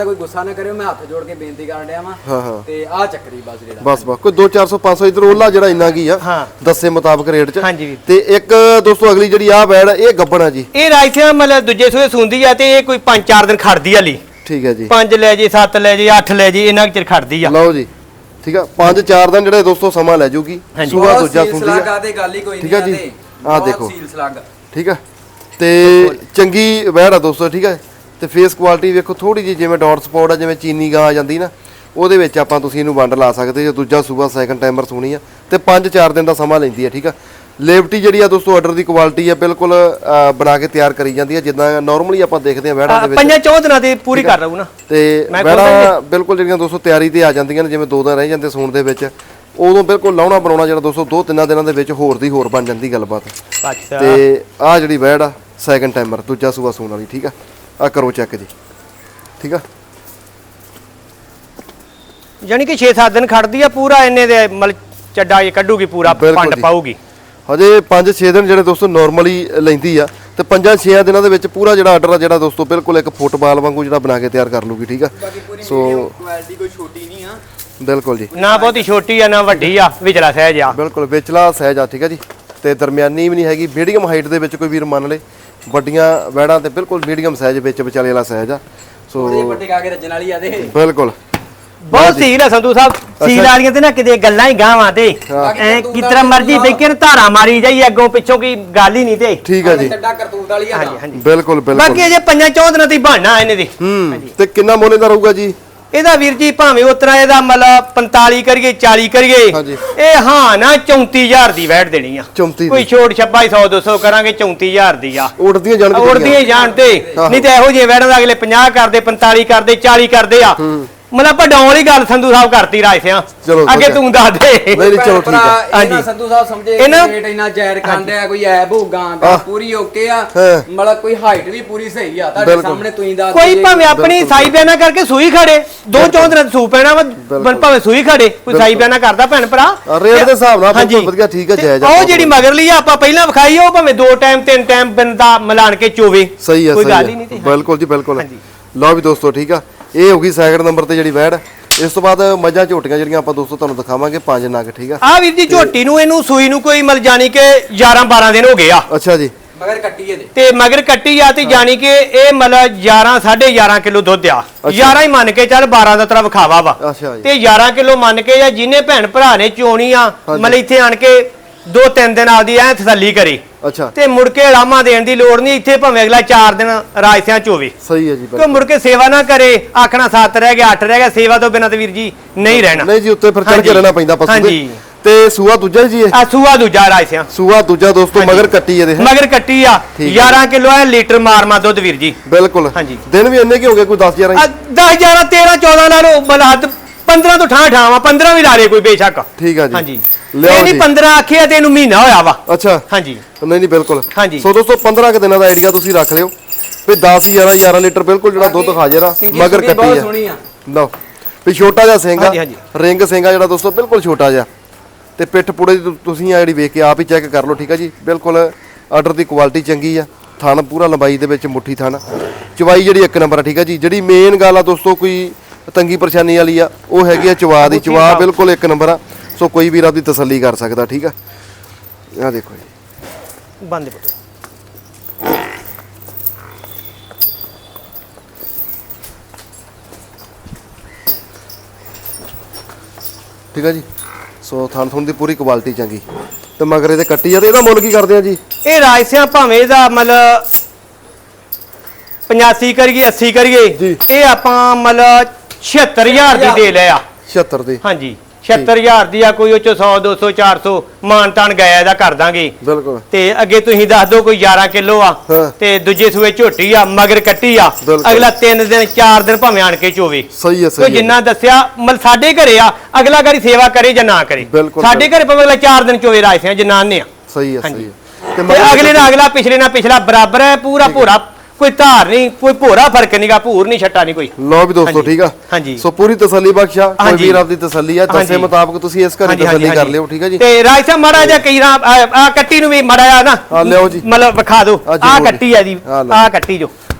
Speaker 3: ਕੋਈ ਗੁੱਸਾ ਨਾ ਕਰਿਓ, ਮੈਂ ਹੱਥ ਜੋੜ ਕੇ ਬੇਨਤੀ ਕਰਨ ਡਿਆ ਵਾਂ।
Speaker 1: ਹਾਂ ਹਾਂ
Speaker 3: ਤੇ ਆ ਚੱਕਰੀ ਬਸ ਜਿਹੜਾ
Speaker 1: ਬਸ ਬਸ ਕੋਈ ਦੋ ਚਾਰ ਸੌ ਪੰਜ ਸੌ ਇਧਰ ਉਹਲਾ ਜਿਹੜਾ ਇੰਨਾ ਕੀ ਆ
Speaker 2: ਹਾਂ
Speaker 1: ਦੱਸੇ ਮੁਤਾਬਕ ਰੇਟ ਚ।
Speaker 2: ਹਾਂਜੀ
Speaker 1: ਤੇ ਇੱਕ ਦੋਸਤੋ ਅਗਲੀ ਜਿਹੜੀ ਆ ਬੈੜ ਇਹ ਗੱਬਣ ਆ ਜੀ,
Speaker 2: ਇਹ ਰਾਜਸਿਆਂ ਮਤਲਬ ਦੂਜੇ ਸੂਏ ਸੁੰਦੀ ਆ ਤੇ ਇਹ ਕੋਈ ਪੰਜ ਚਾਰ ਦਿਨ ਖੜਦੀ ਆ ਲਈ।
Speaker 1: ਠੀਕ ਹੈ ਜੀ,
Speaker 2: ਪੰਜ ਲੈ ਜੇ ਸੱਤ ਲੈ ਜੇ ਅੱਠ ਲੈ ਜੇ ਇਹਨਾਂ ਚਿਰ ਖੜਦੀ ਆ।
Speaker 1: ਲਓ ਜੀ ਠੀਕ ਆ, ਪੰਜ ਚਾਰ ਦਿਨ ਜਿਹੜੇ ਦੋਸਤੋ ਸਮਾਂ ਲੈ ਜੂਗੀ। ਸੂਆ ਦੂਜਾ ਸੁੰਦੀ ਆ,
Speaker 3: ਤੇ ਗੱਲ ਹੀ ਕੋਈ
Speaker 1: ਠੀਕ ਆ
Speaker 3: ਨਹੀਂ
Speaker 1: ਜੀ। ਆ ਦੇਖੋ
Speaker 3: ਸੀਲ ਸਲੱਗ,
Speaker 1: ਠੀਕ ਆ ਤੇ ਚੰਗੀ ਵੈੜ ਆ ਦੋਸਤੋ, ਠੀਕ ਆ। ਤੇ ਫੇਸ ਕੁਆਲਿਟੀ ਵੇਖੋ ਥੋੜੀ ਜਿਹੀ ਜਿਵੇਂ ਡਾਟ ਸਪੌਟ ਆ, ਜਿਵੇਂ ਚੀਨੀ ਗਾਂ ਆ ਜਾਂਦੀ ਨਾ, ਉਹਦੇ ਵਿੱਚ ਆਪਾਂ ਤੁਸੀਂ ਇਹਨੂੰ ਵੰਡ ਲਾ ਸਕਦੇ ਜੇ। ਦੂਜਾ ਸੂਆ ਸੈਕੰਡ ਟਾਈਮਰ ਸੋਣੀ ਆ ਤੇ ਪੰਜ ਚਾਰ ਦਿਨ ਦਾ ਸਮਾਂ ਲੈਂਦੀ ਆ, ਠੀਕ ਆ। ਲੇਵਟੀ ਜਿਹੜੀ ਆ ਦੋਸਤੋ ਆਰਡਰ ਦੀ ਕੁਆਲਿਟੀ ਆ, ਬਿਲਕੁਲ ਬਣਾ ਕੇ ਤਿਆਰ ਕਰੀ ਜਾਂਦੀ ਆ ਜਿੱਦਾਂ ਨਾਰਮਲੀ ਆਪਾਂ ਦੇਖਦੇ ਆ ਵੈੜਾਂ ਦੇ ਵਿੱਚ।
Speaker 2: ਪੰਜਾਂ ਚੌਂ ਦਿਨਾਂ ਤੇ ਪੂਰੀ ਕਰ ਰਹੂ ਨਾ।
Speaker 1: ਤੇ ਵੈੜਾਂ ਬਿਲਕੁਲ ਜਿਹੜੀਆਂ ਦੋਸਤੋ ਤਿਆਰੀ ਤੇ ਆ ਜਾਂਦੀਆਂ ਨੇ, ਜਿਵੇਂ ਦੋ ਦਿਨ ਰਹਿ ਜਾਂਦੇ ਸੂਣ ਦੇ ਵਿੱਚ, ਉਦੋਂ ਬਿਲਕੁਲ ਲਾਉਣਾ ਬਣਾਉਣਾ ਜਿਹੜਾ ਦੋਸਤੋ ਦੋ ਤਿੰਨਾਂ ਦਿਨਾਂ ਦੇ ਵਿੱਚ ਹੋਰ ਦੀ ਹੋਰ ਬਣ ਜਾਂਦੀ ਗੱਲਬਾਤ।
Speaker 2: ਅੱਛਾ
Speaker 1: ਤੇ ਆ ਜਿਹੜੀ ਵੈੜ ਆ ਸੈਕੰਡ ਟਾਈਮਰ ਦੂਜਾ ਸੂਆ ਸੂਣ ਵਾਲੀ, ਠੀਕ ਆ। ਆ ਕਰੋ ਚੈੱਕ ਜੀ, ਠੀਕ ਆ।
Speaker 2: ਯਾਨੀ ਕਿ ਛੇ ਸੱਤ ਦਿਨ ਖੜਦੀ ਆ ਪੂਰਾ, ਇੰਨੇ ਦੇ ਮਲ ਚੱਡਾ ਇਹ ਕੱਢੂਗੀ ਪੂਰਾ, ਪੰਡ ਪਾਊਗੀ।
Speaker 1: ਹਜੇ ਪੰਜ ਛੇ ਦਿਨ ਜਿਹੜੇ ਦੋਸਤੋ ਨਾਰਮਲੀ ਲੈਂਦੀ ਆ, ਤੇ ਪੰਜਾਂ ਛੇ ਦਿਨਾਂ ਦੇ ਵਿੱਚ ਪੂਰਾ ਜਿਹੜਾ ਆਰਡਰ ਆ ਜਿਹੜਾ ਦੋਸਤੋ ਬਿਲਕੁਲ ਇੱਕ ਫੁੱਟਬਾਲ ਵਾਂਗੂ ਜਿਹੜਾ ਬਣਾ ਕੇ ਤਿਆਰ ਕਰ ਲੂਗੀ, ਠੀਕ ਆ।
Speaker 3: ਸੋ ਕੁਆਲਿਟੀ ਕੋਈ ਛੋਟੀ ਨਹੀਂ ਆ,
Speaker 1: ਬਿਲਕੁਲ ਜੀ,
Speaker 2: ਨਾ ਬਹੁਤੀ ਛੋਟੀ ਆ ਨਾ ਵੱਡੀ ਆ, ਵਿਚਲਾ ਸਹਿਜ ਆ।
Speaker 1: ਬਿਲਕੁਲ ਵਿਚਲਾ ਸਹਿਜ ਆ, ਠੀਕ ਆ ਜੀ। ਤੇ ਦਰਮਿਆਨੀ ਵੀ ਨਹੀਂ ਹੈਗੀ, ਮੀਡੀਅਮ ਹਾਈਟ ਦੇ ਵਿੱਚ ਕੋਈ ਵੀਰ ਮੰਨ ਲੇ। ਵੱਡੀਆਂ ਵੈੜਾਂ ਤੇ ਬਿਲਕੁਲ ਮੀਡੀਅਮ ਸਾਈਜ਼ ਵਿੱਚ ਵਿਚਾਲੇ ਵਾਲਾ ਸਹਿਜ ਆ। ਸੋ
Speaker 3: ਵੱਡੇ ਕਾ ਕੇ ਰੱਜਣ ਵਾਲੀ ਆ ਦੇ,
Speaker 1: ਬਿਲਕੁਲ
Speaker 2: ਬਹੁਤ ਸੀਲ ਆ ਸੰਧੂ ਸਾਹਿਬ। ਸੀਲ ਵਾਲੀਆਂ ਤੇ ਨਾ ਕਿਤੇ ਗੱਲਾਂ ਹੀ ਗਾਵਾਂ ਤੇ ਐ ਕਿਤਰਾ ਮਰਜੀ ਬੈਕੇ ਧਾਰਾ ਮਾਰੀ ਜਾਈ ਅੱਗੋਂ ਪਿੱਛੋਂ ਕੀ ਗੱਲ ਹੀ ਨਹੀਂ ਤੇ।
Speaker 1: ਠੀਕ ਆ ਜੀ,
Speaker 3: ਟੱਡਾ ਕਰਤੂਤ ਵਾਲੀ ਆ।
Speaker 2: ਹਾਂਜੀ ਹਾਂਜੀ
Speaker 1: ਬਿਲਕੁਲ ਬਿਲਕੁਲ।
Speaker 2: ਬਾਕੀ ਅਜੇ ਪੰਜਾਂ ਚੌਂ ਦਿਨਾਂ ਤੇ ਬਣਨਾ ਇਹਨੇ ਦੀ।
Speaker 1: ਹੂੰ ਤੇ ਕਿੰਨਾ ਮੁੱਲ ਦਾ ਰਹੂਗਾ ਜੀ
Speaker 2: ਇਹਦਾ ਵੀਰ ਜੀ? ਭਾਵੇਂ ਉਤਰਾ ਇਹਦਾ ਮਤਲਬ ਪੰਤਾਲੀ ਕਰੀਏ ਚਾਲੀ ਕਰੀਏ, ਇਹ ਹਾਂ ਨਾ ਚੌਂਤੀ ਹਜ਼ਾਰ ਦੀ ਵੈਟ ਦੇਣੀ ਆ।
Speaker 1: ਚੌਂਤੀ
Speaker 2: ਕੋਈ ਛੋਟ ਛੱਪਾ ਹੀ ਸੌ ਦੋ ਸੌ ਕਰਾਂਗੇ, ਚੌਂਤੀ ਹਜ਼ਾਰ ਦੀ ਆ।
Speaker 1: ਉੜਦੀਆਂ ਜਾਣ
Speaker 2: ਉੜਦੀਆਂ ਜਾਣ ਤੇ ਨਹੀਂ ਤੇ ਇਹੋ ਜਿਹੇ ਵੈੜਾਂ ਦਾ ਅਗਲੇ ਪੰਜਾਹ ਕਰਦੇ, ਪੰਤਾਲੀ ਕਰਦੇ, ਚਾਲੀ ਕਰਦੇ ਆ। ਮਤਲਬ ਪਡਾਉਣ ਵਾਲੀ ਗੱਲ ਸੰਧੂ ਸਾਹਿਬ ਕਰਤੀ ਰਾਜਸਿਆਂ, ਅੱਗੇ ਤੂੰ ਦੱਸ ਦੇ।
Speaker 1: ਨਹੀਂ ਚਲੋ ਠੀਕ ਆ।
Speaker 3: ਹਾਂਜੀ ਸੰਧੂ ਸਾਹਿਬ ਸਮਝੇ ਰੇਟ ਇੰਨਾ ਜਾਇਰ ਕਾਂਡਿਆ, ਕੋਈ ਐਬ ਹੋ ਗਾਂ ਦਾ ਪੂਰੀ ਓਕੇ ਆ, ਮਤਲਬ ਕੋਈ ਹਾਈਟ ਵੀ ਪੂਰੀ ਸਹੀ ਆ ਤੁਹਾਡੇ ਸਾਹਮਣੇ ਤੁਸੀਂ ਦੱਸ।
Speaker 2: ਕੋਈ ਭਾਵੇਂ ਆਪਣੀ ਸਾਈ ਬਿਆਨਾ ਕਰਕੇ ਸੂਈ ਖੜੇ, ਦੋ ਚੌਂ ਦਿਨਾਂ ਸੂ ਪੈਣਾ ਵਾ, ਭਾਵੇਂ ਸੂਈ ਖੜੇ, ਕੋਈ ਸਾਈ ਬਿਆਨਾ ਕਰਦਾ ਭੈਣ ਭਰਾ
Speaker 1: ਰੇਟ ਦੇ ਹਿਸਾਬ ਨਾਲ ਬਿਲਕੁਲ ਵਧੀਆ, ਠੀਕ ਆ ਜਾਇਜ਼।
Speaker 2: ਉਹ ਜਿਹੜੀ ਮਗਰ ਲਈ ਆਪਾਂ ਪਹਿਲਾਂ ਵਿਖਾਈ, ਉਹ ਭਾਵੇਂ ਦੋ ਟਾਈਮ ਤਿੰਨ ਟਾਈਮ ਬੰਦਾ ਮਿਲਾਣ ਕੇ ਚੋਵੇ,
Speaker 1: ਸਹੀ ਆ,
Speaker 2: ਕੋਈ ਗੱਲ ਹੀ ਨਹੀਂ ਤੇ।
Speaker 1: ਬਿਲਕੁਲ ਜੀ ਬਿਲਕੁਲ। ਲਓ ਵੀ ਦੋਸਤੋ ਠੀਕ ਆ, ਇਹ ਹੋ ਗਈ ਸੈਕਿੰਡ ਨੰਬਰ ਤੇ ਜਿਹੜੀ ਵੈੜ। ਇਸ ਤੋਂ ਬਾਅਦ ਮੱਝਾਂ ਝੋਟੀਆਂ ਜਿਹੜੀਆਂ ਆਪਾਂ ਦੋਸਤੋ ਤੁਹਾਨੂੰ ਦਿਖਾਵਾਂਗੇ ਪੰਜ ਨਗ, ਠੀਕ ਆ।
Speaker 2: ਆ ਵੀਰ ਜੀ ਝੋਟੀ ਨੂੰ ਇਹਨੂੰ ਸੂਈ ਨੂੰ ਕੋਈ ਮਲ ਜਾਣੀ ਕਿ ਗਿਆਰਾਂ ਬਾਰਾਂ ਦਿਨ ਹੋ ਗਏ ਆ।
Speaker 1: ਅੱਛਾ ਜੀ,
Speaker 3: ਮਗਰ ਕੱਟੀ ਇਹਦੇ
Speaker 2: ਤੇ ਮਗਰ ਕੱਟੀ ਆ ਤੇ ਜਾਣੀ ਕਿ ਇਹ ਮਤਲਬ ਗਿਆਰਾਂ ਸਾਢੇ ਗਿਆਰਾਂ ਕਿਲੋ ਦੁੱਧ ਆ। ਗਿਆਰਾਂ ਹੀ ਮੰਨ ਕੇ ਚੱਲ, ਬਾਰਾਂ ਦਾ ਤਰਾ ਵਿਖਾਵਾ ਵਾ।
Speaker 1: ਅੱਛਾ ਜੀ,
Speaker 2: ਤੇ ਗਿਆਰਾਂ ਕਿਲੋ ਮੰਨ ਕੇ ਜਾਂ ਜਿਹਨੇ ਭੈਣ ਭਰਾ ਨੇ ਚੋਣੀ ਆ, ਮਤਲਬ ਇੱਥੇ ਆਣ ਕੇ ਦੋ ਤਿੰਨ ਦਿਨ ਆਪਦੀ ਐ ਤਸੱਲੀ ਕਰੇ।
Speaker 1: ਅੱਛਾ
Speaker 2: ਤੇ ਮੁੜ ਕੇ ਲਾਮਾ ਦੇਣ ਦੀ ਲੋੜ ਨਹੀਂ, ਇੱਥੇ ਭਾਵੇਂ ਅਗਲਾ ਚਾਰ ਦਿਨ ਰਾਜਸਿਆਂ ਚੋਵੇ।
Speaker 1: ਸਹੀ ਹੈ ਜੀ,
Speaker 2: ਕਿਉਂ ਮੁੜ ਕੇ ਸੇਵਾ ਨਾ ਕਰੇ, ਆਖਣਾ ਸੱਤ ਰਹਿ ਗਿਆ ਅੱਠ ਰਹਿ ਗਿਆ, ਸੇਵਾ ਤੋਂ ਬਿਨਾਂ ਤੇ ਵੀਰ ਜੀ ਨਹੀਂ ਰਹਿਣਾ।
Speaker 1: ਨਹੀਂ ਜੀ, ਉੱਤੇ ਫਿਰ ਚੜ ਕੇ ਰਹਿਣਾ ਪੈਂਦਾ ਪਸ਼ੂ ਦੇ।
Speaker 2: ਹਾਂਜੀ।
Speaker 1: ਤੇ ਸੂਆ ਦੂਜਾ ਜੀ, ਇਹ
Speaker 2: ਆ ਸੂਆ ਦੂਜਾ ਰਾਜਸਿਆਂ,
Speaker 1: ਸੂਆ ਦੂਜਾ ਦੋਸਤੋ ਮਗਰ ਕੱਟੀ ਇਹਦੇ।
Speaker 2: ਮਗਰ ਕੱਟੀ ਆ, ਗਿਆਰਾਂ ਕਿਲੋ ਹੈ ਲੀਟਰ ਮਾਰਮਾ ਦੁੱਧ ਵੀਰ ਜੀ।
Speaker 1: ਬਿਲਕੁਲ
Speaker 2: ਹਾਂਜੀ।
Speaker 1: ਦਿਨ ਵੀ ਇੰਨੇ ਕੀ ਹੋ ਗਏ, ਕੋਈ ਦਸ ਗਿਆਰਾਂ
Speaker 2: ਦਸ ਗਿਆਰਾਂ ਤੇਰਾਂ ਚੌਦਾਂ ਲਾ ਲਓ, ਮਤਲਬ ਪੰਦਰਾਂ ਤੋਂ ਠਾਂ ਠਾਂ ਵਾ, ਪੰਦਰਾਂ ਵੀ ਲਾ ਲੇ ਕੋਈ ਬੇਸ਼ੱਕ।
Speaker 1: ਠੀਕ ਆ ਜੀ,
Speaker 2: ਹਾਂਜੀ।
Speaker 1: ਲਿਆਓ
Speaker 2: ਇਹ ਨਹੀਂ
Speaker 1: ਜੀ।
Speaker 2: ਪੰਦਰਾਂ ਆਖਿਆ ਤੇ ਇਹਨੂੰ ਮਹੀਨਾ ਹੋਇਆ ਵਾ।
Speaker 1: ਅੱਛਾ,
Speaker 2: ਹਾਂਜੀ
Speaker 1: ਨਹੀਂ ਨਹੀਂ ਬਿਲਕੁਲ।
Speaker 2: ਹਾਂਜੀ।
Speaker 1: ਸੋ ਦੋਸਤੋ ਪੰਦਰਾਂ ਕੁ ਦਿਨਾਂ ਦਾ ਆਈਡੀਆ ਤੁਸੀਂ ਰੱਖ ਲਿਓ ਵੀ ਦਸ ਗਿਆਰਾਂ ਗਿਆਰਾਂ ਲੀਟਰ ਬਿਲਕੁਲ ਜਿਹੜਾ ਦੁੱਧ ਹਾਜ਼ਰ ਆ, ਮਗਰ ਕੱਟੀ ਆ। ਲਓ ਵੀ ਛੋਟਾ ਜਿਹਾ ਸਿੰਘ ਆ, ਰਿੰਗ ਸਿੰਘ ਆ ਜਿਹੜਾ ਦੋਸਤੋ ਬਿਲਕੁਲ ਛੋਟਾ ਜਿਹਾ। ਤੇ ਪਿੱਠ ਪੁੜੇ ਦੀ ਤੁਸੀਂ ਆ ਜਿਹੜੀ ਵੇਖ ਕੇ ਆਪ ਹੀ ਚੈੱਕ ਕਰ ਲਓ, ਠੀਕ ਆ ਜੀ। ਬਿਲਕੁਲ ਆਰਡਰ ਦੀ ਕੁਆਲਿਟੀ ਚੰਗੀ ਆ, ਥਣ ਪੂਰਾ ਲੰਬਾਈ ਦੇ ਵਿੱਚ ਮੁੱਠੀ ਥਣ, ਚਵਾਈ ਜਿਹੜੀ ਇੱਕ ਨੰਬਰ ਆ, ਠੀਕ ਆ ਜੀ। ਜਿਹੜੀ ਮੇਨ ਗੱਲ ਆ ਦੋਸਤੋ ਕੋਈ ਤੰਗੀ ਪਰੇਸ਼ਾਨੀ ਵਾਲੀ ਆ, ਉਹ ਹੈਗੀ ਆ ਚਵਾ ਦੀ। ਚਵਾ ਬਿਲਕੁਲ ਇੱਕ ਨੰਬਰ ਆ, ਸੋ ਕੋਈ ਵੀਰ ਆਪਦੀ ਤਸੱਲੀ ਕਰ ਸਕਦਾ, ਠੀਕ ਆ। ਆ ਦੇਖੋ ਜੀ,
Speaker 2: ਬੰਦ ਪੁੱਤ
Speaker 1: ਠੀਕ ਆ ਜੀ। ਸੋ ਥਣ ਥਣ ਦੀ ਪੂਰੀ ਕੁਆਲਿਟੀ ਚੰਗੀ, ਤੇ ਮਗਰ ਇਹਦੇ ਕੱਟੀ ਆ। ਤੇ ਇਹਦਾ ਮੁੱਲ ਕੀ ਕਰਦੇ ਆ ਜੀ?
Speaker 2: ਇਹ ਰਾਜਸਿਆਂ ਭਾਵੇਂ ਇਹਦਾ ਮਤਲਬ ਪਚਾਸੀ ਕਰੀਏ ਅੱਸੀ ਕਰੀਏ, ਇਹ ਆਪਾਂ ਮਤਲਬ ਛਿਅੱਤਰ ਹਜ਼ਾਰ ਦੀ ਦੇ ਲਿਆ।
Speaker 1: ਛਿਅੱਤਰ ਦੀ?
Speaker 2: ਹਾਂਜੀ, ਛਿਅੱਤਰ ਹਜ਼ਾਰ ਦੀ ਆ। ਕੋਈ ਉਹ ਚ ਸੌ ਦੋ ਸੌ ਚਾਰ ਸੌ ਮਾਨ ਤਾਨ ਗਿਆ ਇਹਦਾ ਕਰ ਦਾਂਗੇ।
Speaker 1: ਬਿਲਕੁਲ।
Speaker 2: ਤੇ ਅੱਗੇ ਤੁਸੀਂ ਦੱਸ ਦਿਓ ਕੋਈ ਗਿਆਰਾਂ ਕਿਲੋ ਆ, ਤੇ ਦੂਜੇ ਸੂਏ ਝੋਟੀ ਆ, ਮਗਰ ਕੱਟੀ ਆ, ਅਗਲਾ ਤਿੰਨ ਦਿਨ ਚਾਰ ਦਿਨ ਭਾਵੇਂ ਆਣ ਕੇ ਚੋਵੇ।
Speaker 1: ਸਹੀ ਹੈ, ਸਹੀ ਹੈ।
Speaker 2: ਜਿੰਨਾ ਦੱਸਿਆ ਮਤਲਬ ਸਾਡੇ ਘਰੇ ਆ, ਅਗਲਾ ਗਾੜੀ ਸੇਵਾ ਕਰੇ ਜਾਂ ਨਾ ਕਰੇ, ਸਾਡੇ ਘਰੇ ਭਾਵੇਂ ਅਗਲਾ ਚਾਰ ਦਿਨ ਚੋਵੇ ਰਾਜਸਿਆਂ ਜਿੰਨਾ ਆਨੇ ਆ।
Speaker 1: ਸਹੀ ਹੈ, ਸਹੀ ਹੈ।
Speaker 2: ਤੇ ਅਗਲੇ ਨਾਲ ਅਗਲਾ ਪਿਛਲੇ ਨਾਲ ਪਿਛਲਾ ਬਰਾਬਰ ਹੈ, ਪੂਰਾ ਭੋਰਾ, ਕੋਈ ਧਾਰ ਨਹੀਂ, ਕੋਈ ਭੋਰਾ ਫਰਕ ਨਹੀਂਗਾ, ਭੂਰ ਨਹੀਂ ਛੱਟਾ ਨਹੀਂ ਕੋਈ।
Speaker 1: ਲੋ ਵੀ ਦੋਸਤੋ ਠੀਕ ਆ।
Speaker 2: ਹਾਂਜੀ।
Speaker 1: ਸੋ ਪੂਰੀ ਤਸੱਲੀ ਬਖਸ਼ਾ, ਕੋਈ ਵੀਰ ਆਪਦੀ ਤਸੱਲੀ ਆ, ਦੱਸੇ ਮੁਤਾਬਕ ਤੁਸੀਂ ਇਸ ਘਰੇ ਤਸੱਲੀ ਕਰ ਲਿਓ, ਠੀਕ ਆ ਜੀ।
Speaker 2: ਤੇ ਰਾਜ ਸਾਹਿਬ ਮਾੜਾ ਜਿਹਾ ਕਈ ਆ ਕੱਟੀ ਨੂੰ ਵੀ ਮਾੜਾ ਆ ਨਾ,
Speaker 1: ਆ ਲਿਓ ਜੀ,
Speaker 2: ਮਤਲਬ ਵਿਖਾ ਦਿਓ। ਆ ਕੱਟੀ ਆ ਜੀ, ਆ ਕੱਟੀ ਜੋ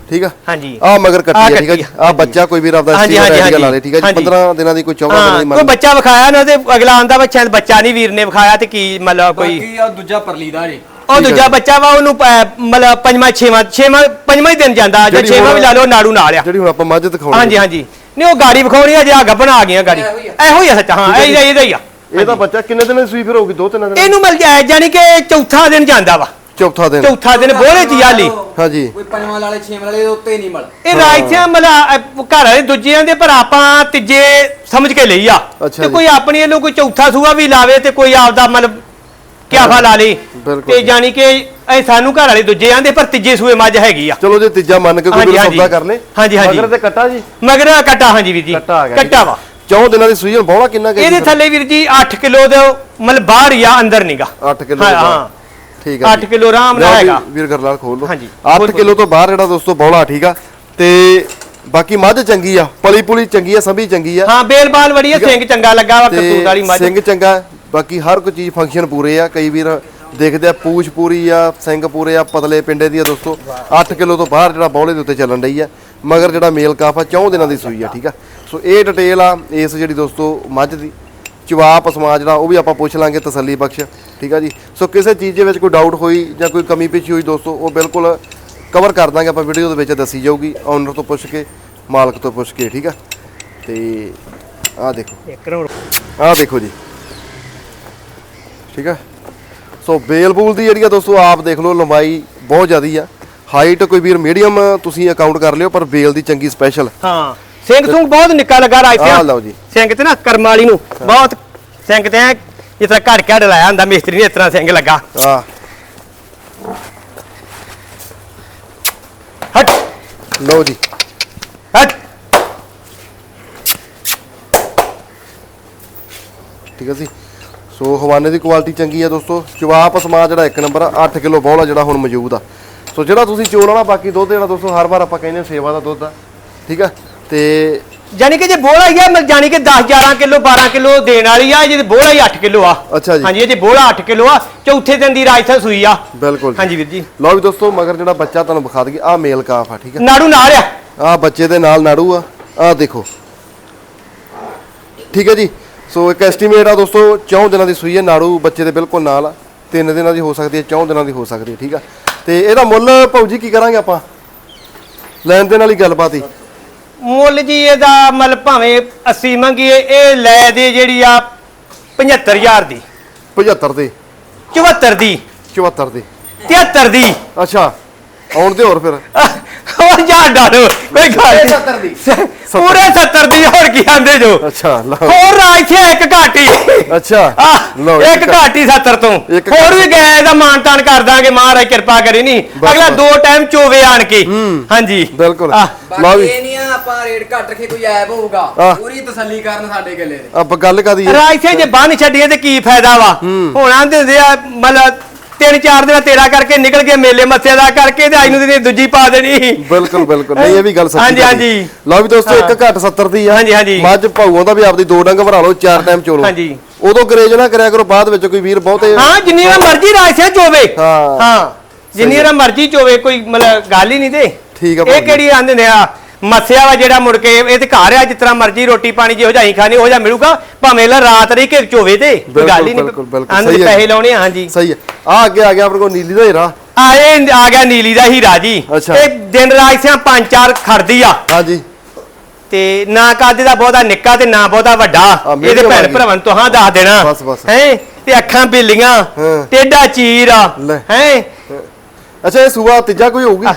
Speaker 1: ਠੀਕ ਆ
Speaker 2: ਹਾਂਜੀ
Speaker 1: ਆ ਮਗਰ ਕੱਟੀ ਆ ਠੀਕ ਆ ਜੀ ਆ ਬੱਚਾ ਕੋਈ ਵੀ ਆਪਦਾ ਸਟੀਲ ਲਾ ਲੇ ਠੀਕ ਆ ਜੀ ਪੰਦਰਾਂ ਦਿਨਾਂ ਦੀ ਕੋਈ ਚੌਦਾਂ ਦਿਨਾਂ ਦੀ
Speaker 2: ਕੋਈ ਬੱਚਾ ਵਿਖਾਇਆ ਨਾ ਤੇ ਅਗਲਾ ਆਂਦਾ ਬੱਚਾ ਬੱਚਾ ਨਹੀਂ ਵੀਰ ਨੇ ਵਿਖਾਇਆ ਤੇ ਕੀ ਮਤਲਬ ਕੋਈ
Speaker 3: ਬਾਕੀ ਆ ਦੂਜਾ ਪਰਲੀ ਦਾ ਜੀ
Speaker 2: ਉਹ ਦੂਜਾ ਬੱਚਾ ਵਾ ਉਹਨੂੰ ਮਤਲਬ ਪੰਜਵਾਂ ਛੇਵਾਂ ਛੇਵਾਂ ਪੰਜਵਾਂ ਹੀ ਦਿਨ ਜਾਂਦਾ ਜਾਂ ਛੇਵਾਂ ਵੀ ਲਾ ਲਓ ਨਾੜੂ ਨਾਲ ਆ
Speaker 1: ਜਿਹੜੀ ਹੁਣ ਆਪਾਂ ਮੱਝ ਦਿਖਾਉਣੀ
Speaker 2: ਹਾਂਜੀ ਹਾਂਜੀ ਨਹੀਂ ਉਹ ਗਾੜੀ ਵਿਖਾਉਣੀ ਆ ਜੇ ਆ ਗੱਬਣ ਆ ਗਈਆਂ ਗਾੜੀ ਇਹੋ ਹੀ ਆ ਸੱਚ ਹਾਂ ਇਹਦਾ ਇਹਦਾ ਹੀ ਆ
Speaker 1: ਇਹ ਤਾਂ ਬੱਚਾ ਕਿੰਨੇ ਦਿਨ ਦੀ ਸੂਈ ਫਿਰ ਹੋਊਗੀ ਦੋ ਤਿੰਨ ਦਿਨ
Speaker 2: ਇਹਨੂੰ ਮਿਲ ਜਾਏ ਯਾਨੀ ਕਿ ਚੌਥਾ ਦਿਨ ਜਾਂਦਾ ਵਾ
Speaker 1: ਚੌਥਾ ਦਿਨ
Speaker 2: ਚੌਥਾ ਦਿਨ ਬੋਲੇ ਚ ਯਾਲੀ
Speaker 1: ਹਾਂਜੀ
Speaker 3: ਕੋਈ ਪੰਜਵਾਂ ਵਾਲੇ ਛੇਵਾਂ ਵਾਲੇ ਉੱਤੇ ਨਹੀਂ ਮਲ
Speaker 2: ਇਹ ਰਾਇਥਿਆਂ ਮਤਲਬ ਘਰ ਵਾਲੇ ਦੂਜਿਆਂ ਦੇ ਪਰ ਆਪਾਂ ਤੀਜੇ ਸਮਝ ਕੇ ਲਈ ਆ ਤੇ ਕੋਈ ਆਪਣੀ ਇਹਨੂੰ ਕੋਈ ਚੌਥਾ ਸੂਆ ਵੀ ਲਾਵੇ ਤੇ ਕੋਈ ਆਪਦਾ ਮਤਲਬ ਕਿਆਫਾ ਲਾ ਲੇ ਤੇ ਯਾਨੀ ਕਿ ਐ ਸਾਨੂੰ ਘਰ ਵਾਲੇ ਦੂਜੇ ਆਂਦੇ ਪਰ ਤੀਜੇ ਸੂਏ ਮੱਝ ਹੈਗੀ ਆ
Speaker 1: ਚਲੋ ਜੇ ਤੀਜਾ ਮੰਨ ਕੇ ਕੋਈ ਸੌਦਾ ਕਰ ਲੇ
Speaker 2: ਹਾਂਜੀ ਹਾਂਜੀ
Speaker 1: ਮਗਰ ਤੇ ਕੱਟਾ ਜੀ
Speaker 2: ਮਗਰ ਕੱਟਾ ਹਾਂਜੀ ਵੀਰ ਜੀ ਕੱਟਾ ਵਾ
Speaker 1: ਚੌਂ ਦਿਨਾਂ ਦੀ ਸੂਈ ਹੁਣ ਬੌਲਾ ਕਿੰਨਾ ਕਿ
Speaker 2: ਇਹਦੇ ਥੱਲੇ ਵੀਰ ਜੀ ਅੱਠ ਕਿਲੋ ਦੇ ਮਤਲਬ ਬਾਹਰ ਹੀ ਆ ਅੰਦਰ ਨਹੀਂਗਾ
Speaker 1: ਅੱਠ ਕਿਲੋ
Speaker 2: ਹਾਂ
Speaker 1: ਠੀਕ ਆ
Speaker 2: ਅੱਠ ਕਿਲੋ ਆਰਾਮ ਨਾਲ ਹੈਗਾ
Speaker 1: ਵੀਰ ਗਰਲਾਲ ਖੋਲ ਲਓ
Speaker 2: ਹਾਂਜੀ
Speaker 1: ਅੱਠ ਕਿਲੋ ਤੋਂ ਬਾਹਰ ਜਿਹੜਾ ਦੋਸਤੋ ਬੌਲਾ ਠੀਕ ਆ ਤੇ ਬਾਕੀ ਮੱਝ ਚੰਗੀ ਆ ਪਲੀ ਪੁਲੀ ਚੰਗੀ ਆ ਸੰਭੀ ਚੰਗੀ ਆ
Speaker 2: ਹਾਂ ਬੇਲ ਬਾਲ ਵੜੀ ਆ ਸਿੰਘ ਚੰਗਾ ਲੱਗਾ ਵਾ ਕਤੂਰ ਵਾਲੀ ਮੱਝ
Speaker 1: ਸਿੰਘ ਚੰਗਾ ਬਾਕੀ ਹਰ ਕੋਈ ਚੀਜ਼ ਫੰਕਸ਼ਨ ਪੂਰੇ ਆ ਕਈ ਵੀਰ ਦੇਖਦੇ ਆ ਪੂਛ ਪੂਰੀ ਆ ਸਿੰਘ ਪੂਰੇ ਆ ਪਤਲੇ ਪਿੰਡੇ ਦੀ ਆ ਦੋਸਤੋ ਅੱਠ ਕਿਲੋ ਤੋਂ ਬਾਹਰ ਜਿਹੜਾ ਬੌਲੇ ਦੇ ਉੱਤੇ ਚੱਲਣ ਰਹੀ ਆ ਮਗਰ ਜਿਹੜਾ ਮੇਲ ਕਾਫ ਆ ਚੌਂ ਦਿਨਾਂ ਦੀ ਸੂਈ ਆ ਠੀਕ ਆ ਸੋ ਇਹ ਡਿਟੇਲ ਆ ਇਸ ਜਿਹੜੀ ਦੋਸਤੋ ਮੱਝ ਦੀ ਚਵਾਪ ਸਮਾਜ ਜਿਹੜਾ ਉਹ ਵੀ ਆਪਾਂ ਪੁੱਛ ਲਾਂਗੇ ਤਸੱਲੀ ਬਖਸ਼ ਠੀਕ ਆ ਜੀ ਸੋ ਕਿਸੇ ਚੀਜ਼ ਦੇ ਵਿੱਚ ਕੋਈ ਡਾਊਟ ਹੋਈ ਜਾਂ ਕੋਈ ਕਮੀ ਪੇਸ਼ੀ ਹੋਈ ਦੋਸਤੋ ਉਹ ਬਿਲਕੁਲ ਕਵਰ ਕਰ ਦਾਂਗੇ ਆਪਾਂ ਵੀਡੀਓ ਦੇ ਵਿੱਚ ਦੱਸੀ ਜਾਊਗੀ ਓਨਰ ਤੋਂ ਪੁੱਛ ਕੇ ਮਾਲਕ ਤੋਂ ਪੁੱਛ ਕੇ ਠੀਕ ਆ ਤੇ ਆਹ ਦੇਖੋ ਆਹ ਦੇਖੋ ਜੀ ਠੀਕ ਆ ਸੋ ਬੇਲ ਬੂਲ ਦੀ ਜਿਹੜੀ ਆ ਦੋਸਤੋ ਆਪ ਦੇਖ ਲਓ ਲੰਬਾਈ ਬਹੁਤ ਜ਼ਿਆਦੀ ਆ ਹਾਈਟ ਕੋਈ ਵੀਰ ਮੀਡੀਅਮ ਤੁਸੀਂ ਅਕਾਊਂਟ ਕਰ ਲਿਓ ਪਰ ਬੇਲ ਦੀ ਚੰਗੀ ਸਪੈਸ਼ਲ
Speaker 2: ਹਾਂ ਸਿੰਘ ਸੁੰਗ ਬਹੁਤ ਨਿੱਕਾ ਲੱਗਾ ਰਾਇਤਿਆ
Speaker 1: ਆਹ ਲਓ ਜੀ
Speaker 2: ਸਿੰਘ ਤੇ ਨਾ ਕਰਮ ਵਾਲੀ ਨੂੰ ਬਹੁਤ ਸਿੰਘ ਤੇ ਜਿਸ ਤਰ੍ਹਾਂ ਘੜ ਘੜ ਲਾਇਆ ਹੁੰਦਾ ਮਿਸਤਰੀ ਨੇ ਇਸ ਤਰ੍ਹਾਂ ਸਿੰਘ ਲੱਗਾ
Speaker 1: ਆ
Speaker 2: ਹਟ
Speaker 1: ਲਓ ਜੀ
Speaker 2: ਹਟ
Speaker 1: ਠੀਕ ਹੈ ਜੀ ਸੋ ਹਵਾਨੇ ਦੀ ਕੁਆਲਿਟੀ ਚੰਗੀ ਆ ਦੋਸਤੋ ਜਵਾਬ ਸਮਾਜ ਜਿਹੜਾ ਇੱਕ ਨੰਬਰ ਆ ਅੱਠ ਕਿਲੋ ਬੌਲਾ ਜਿਹੜਾ ਹੁਣ ਮੌਜੂਦ ਆ ਸੋ ਜਿਹੜਾ ਤੁਸੀਂ ਚੋਲ ਵਾਲਾ ਬਾਕੀ ਦੁੱਧ ਜਿਹੜਾ ਦੋਸਤੋ ਹਰ ਵਾਰ ਆਪਾਂ ਕਹਿੰਦੇ ਸੇਵਾ ਦਾ ਦੁੱਧ ਆ ਠੀਕ ਆ ਤੇ
Speaker 2: ਯਾਨੀ ਕਿ ਜੇ ਬੋਲਾ ਹੀ ਆ ਮੈਂ ਜਾਨੀ ਕਿ ਦਸ ਗਿਆਰਾਂ ਕਿਲੋ ਬਾਰਾਂ ਕਿਲੋ ਦੇਣ ਵਾਲੀ ਆ ਜੇ ਬੋਲਾ ਹੀ ਅੱਠ ਕਿਲੋ ਆ
Speaker 1: ਅੱਛਾ ਜੀ
Speaker 2: ਹਾਂਜੀ ਇਹ ਜੇ ਬੋਲਾ ਅੱਠ ਕਿਲੋ ਆ ਚੌਥੇ ਦਿਨ ਦੀ ਰਾਜਸਥਾਨ ਸੂਈ ਆ
Speaker 1: ਬਿਲਕੁਲ
Speaker 2: ਹਾਂਜੀ ਵੀਰ ਜੀ
Speaker 1: ਲਓ ਵੀ ਦੋਸਤੋ ਮਗਰ ਜਿਹੜਾ ਬੱਚਾ ਤੁਹਾਨੂੰ ਵਿਖਾ ਦਈਏ ਆ ਮੇਲ ਕਾਫ ਆ ਠੀਕ ਆ
Speaker 2: ਨਾੜੂ ਨਾਲ ਆ
Speaker 1: ਆ ਬੱਚੇ ਦੇ ਨਾਲ ਨਾੜੂ ਆ ਆ ਦੇਖੋ ਠੀਕ ਹੈ ਜੀ ਸੋ ਇੱਕ ਐਸਟੀਮੇਟ ਆ ਦੋਸਤੋ ਚੌਂ ਦਿਨਾਂ ਦੀ ਸੂਈ ਹੈ ਨਾੜੂ ਬੱਚੇ ਦੇ ਬਿਲਕੁਲ ਨਾਲ ਆ ਤਿੰਨ ਦਿਨਾਂ ਦੀ ਹੋ ਸਕਦੀ ਹੈ ਚੌਂ ਦਿਨਾਂ ਦੀ ਹੋ ਸਕਦੀ ਹੈ ਠੀਕ ਆ ਤੇ ਇਹਦਾ ਮੁੱਲ ਭਾਊ ਜੀ ਕੀ ਕਰਾਂਗੇ ਆਪਾਂ ਲੈਣ ਦੇਣ ਵਾਲੀ ਗੱਲਬਾਤ ਹੀ
Speaker 2: ਮੁੱਲ ਜੀ ਇਹਦਾ ਮਤਲਬ ਭਾਵੇਂ ਅੱਸੀ ਮੰਗੀਏ ਇਹ ਲੈ ਦੇ ਜਿਹੜੀ ਆ ਪਝੱਤਰ ਹਜ਼ਾਰ ਦੀ
Speaker 1: ਪਝੱਤਰ ਦੇ
Speaker 2: ਚੁਹੱਤਰ ਦੀ
Speaker 1: ਚੁਹੱਤਰ ਦੇ
Speaker 2: ਤਿਹੱਤਰ ਦੀ
Speaker 1: ਅੱਛਾ ਆਉਣ ਦੇ ਹੋਰ ਫਿਰ
Speaker 2: ਹੋਰ ਜਾ ਡਾਲੋ ਕੋਈ ਗੱਲ ਨਹੀਂ
Speaker 3: ਸੱਤਰ ਦੀ
Speaker 2: ਪੂਰੇ ਸੱਤਰ ਦੀ ਹੋਰ ਕੀ ਆਂਦੇ ਜੋ
Speaker 1: ਅੱਛਾ ਲਓ
Speaker 2: ਹੋਰ ਰਾਜ ਇੱਕ ਘਾਟੀ
Speaker 1: ਅੱਛਾ
Speaker 2: ਲਓ ਇੱਕ ਘਾਟੀ ਸੱਤਰ ਤੋਂ ਹੋਰ ਵੀ ਗਏ ਦਾ ਮਾਨ ਤਾਨ ਕਰ ਦਾਂਗੇ ਮਹਾਰਾਜ ਕਿਰਪਾ ਕਰੇ ਨਹੀਂ ਅਗਲਾ ਦੋ ਟਾਈਮ ਚੋਵੇ ਆਣ ਕੇ ਹਾਂਜੀ
Speaker 1: ਬਿਲਕੁਲ
Speaker 3: ਬਾਕੀ ਇਹ ਨਹੀਂ ਆ ਆਪਾਂ ਰੇਟ ਘੱਟ ਰੱਖੇ ਕੋਈ ਐਬ ਹੋਊਗਾ ਪੂਰੀ ਤਸੱਲੀ ਕਰਨ ਸਾਡੇ ਗੱਲੇ ਦੇ
Speaker 1: ਆਪਾਂ ਗੱਲ ਕਾਦੀ ਹੈ
Speaker 2: ਰਾਜ ਜੇ ਬੰਨ ਛੱਡੀਏ ਤੇ ਕੀ ਫਾਇਦਾ ਵਾ ਹੁਣ ਆਂਦੇ ਹੁੰਦੇ ਆ ਮਤਲਬ ਤਿੰਨ ਚਾਰ ਦਿਨ ਤੇਰਾ ਕਰਕੇ ਨਿਕਲ ਕੇ ਮੇਲੇ ਮੱਥੇ ਦਾ ਕਰਕੇ ਤੇ ਆਈ ਨੂੰ ਦਿਨੇ ਦੂਜੀ ਪਾ ਦੇਣੀ
Speaker 1: ਬਿਲਕੁਲ ਬਿਲਕੁਲ ਨਹੀਂ ਇਹ ਵੀ ਗੱਲ ਸੱਚੀ
Speaker 2: ਹਾਂਜੀ ਹਾਂਜੀ
Speaker 1: ਲਓ ਵੀ ਦੋਸਤੋ ਇੱਕ ਘੱਟ ਸੱਤਰ ਦੀ ਆ
Speaker 2: ਹਾਂਜੀ ਹਾਂਜੀ
Speaker 1: ਮੱਝ ਭਾਊਆਂ ਦਾ ਵੀ ਆਪਦੀ ਦੋ ਡੰਗ ਭਰਾ ਲਓ ਚਾਰ ਟਾਈਮ ਚੋਲੋ
Speaker 2: ਹਾਂਜੀ
Speaker 1: ਉਦੋਂ ਗਰੇਜ ਨਾ ਕਰਿਆ ਕਰੋ ਬਾਅਦ ਵਿੱਚ ਕੋਈ ਵੀਰ ਬਹੁਤੇ
Speaker 2: ਹਾਂ ਜਿੰਨੀ ਵਾਰ ਮਰਜ਼ੀ ਰਾਜਸਿਆ ਚੋਵੇ
Speaker 1: ਹਾਂ
Speaker 2: ਹਾਂ ਜਿੰਨੀ ਵਾਰ ਮਰਜ਼ੀ ਚੋਵੇ ਕੋਈ ਮਤਲਬ ਗੱਲ ਹੀ ਨਹੀਂ ਤੇ
Speaker 1: ਠੀਕ ਆ
Speaker 2: ਇਹ ਕਿਹੜੀ ਆਂਦੇ ਨੇ ਆ ਮੱਸਿਆ ਵਾ ਜਿਹੜਾ ਮੁੜ ਕੇ ਇਹ ਤੇ ਘਰ ਆ ਜਿਸ ਤਰ੍ਹਾਂ ਮਰਜ਼ੀ ਰੋਟੀ ਪਾਣੀ ਜਿਹੋ ਜਾਈ ਖਾਣੀ ਉਹ ਜਾ ਮਿਲੂਗਾ ਭਾਵੇਂ ਲਾ ਰਾਤ ਰਹੀ ਕਿ ਚੋਵੇ ਤੇ ਕੋਈ ਗੱਲ ਹੀ ਨਹੀਂ ਆਂਦੇ ਪੈਸੇ ਲਾਉਣੇ ਆ ਹਾਂਜੀ
Speaker 1: ਸਹੀ ਆ ਆ ਅੱਗੇ ਆ ਗਿਆ ਆਪਣੇ ਕੋਲ ਨੀਲੀ ਦਾ ਹੀਰਾ
Speaker 2: ਆ ਇਹ ਆ ਗਿਆ ਨੀਲੀ ਦਾ ਹੀਰਾ ਜੀ ਇਹ ਦਿਨ ਰਾਜਸਿਆ ਪੰਜ ਚਾਰ ਖੜਦੀ ਆ ਹਾਂਜੀ ਤੇ ਨਾ ਕਾਦੇ ਦਾ ਬਹੁਤਾ ਨਿੱਕਾ ਤੇ ਨਾ ਬਹੁਤਾ ਵੱਡਾ ਇਹਦੇ ਭੈਣ ਭਰਾਵਾਂ ਤੋਂ ਹਾਂ ਦੱਸ ਦੇਣਾ ਹੈ ਤੇ ਅੱਖਾਂ ਬਿੱਲੀਆਂ ਟੇਡਾ ਚੀਰ ਆ ਹੈ
Speaker 1: ਅੱਛਾ ਇਹ ਸੂਆ ਤੀਜਾ ਕੋਈ ਹੋਊਗੀ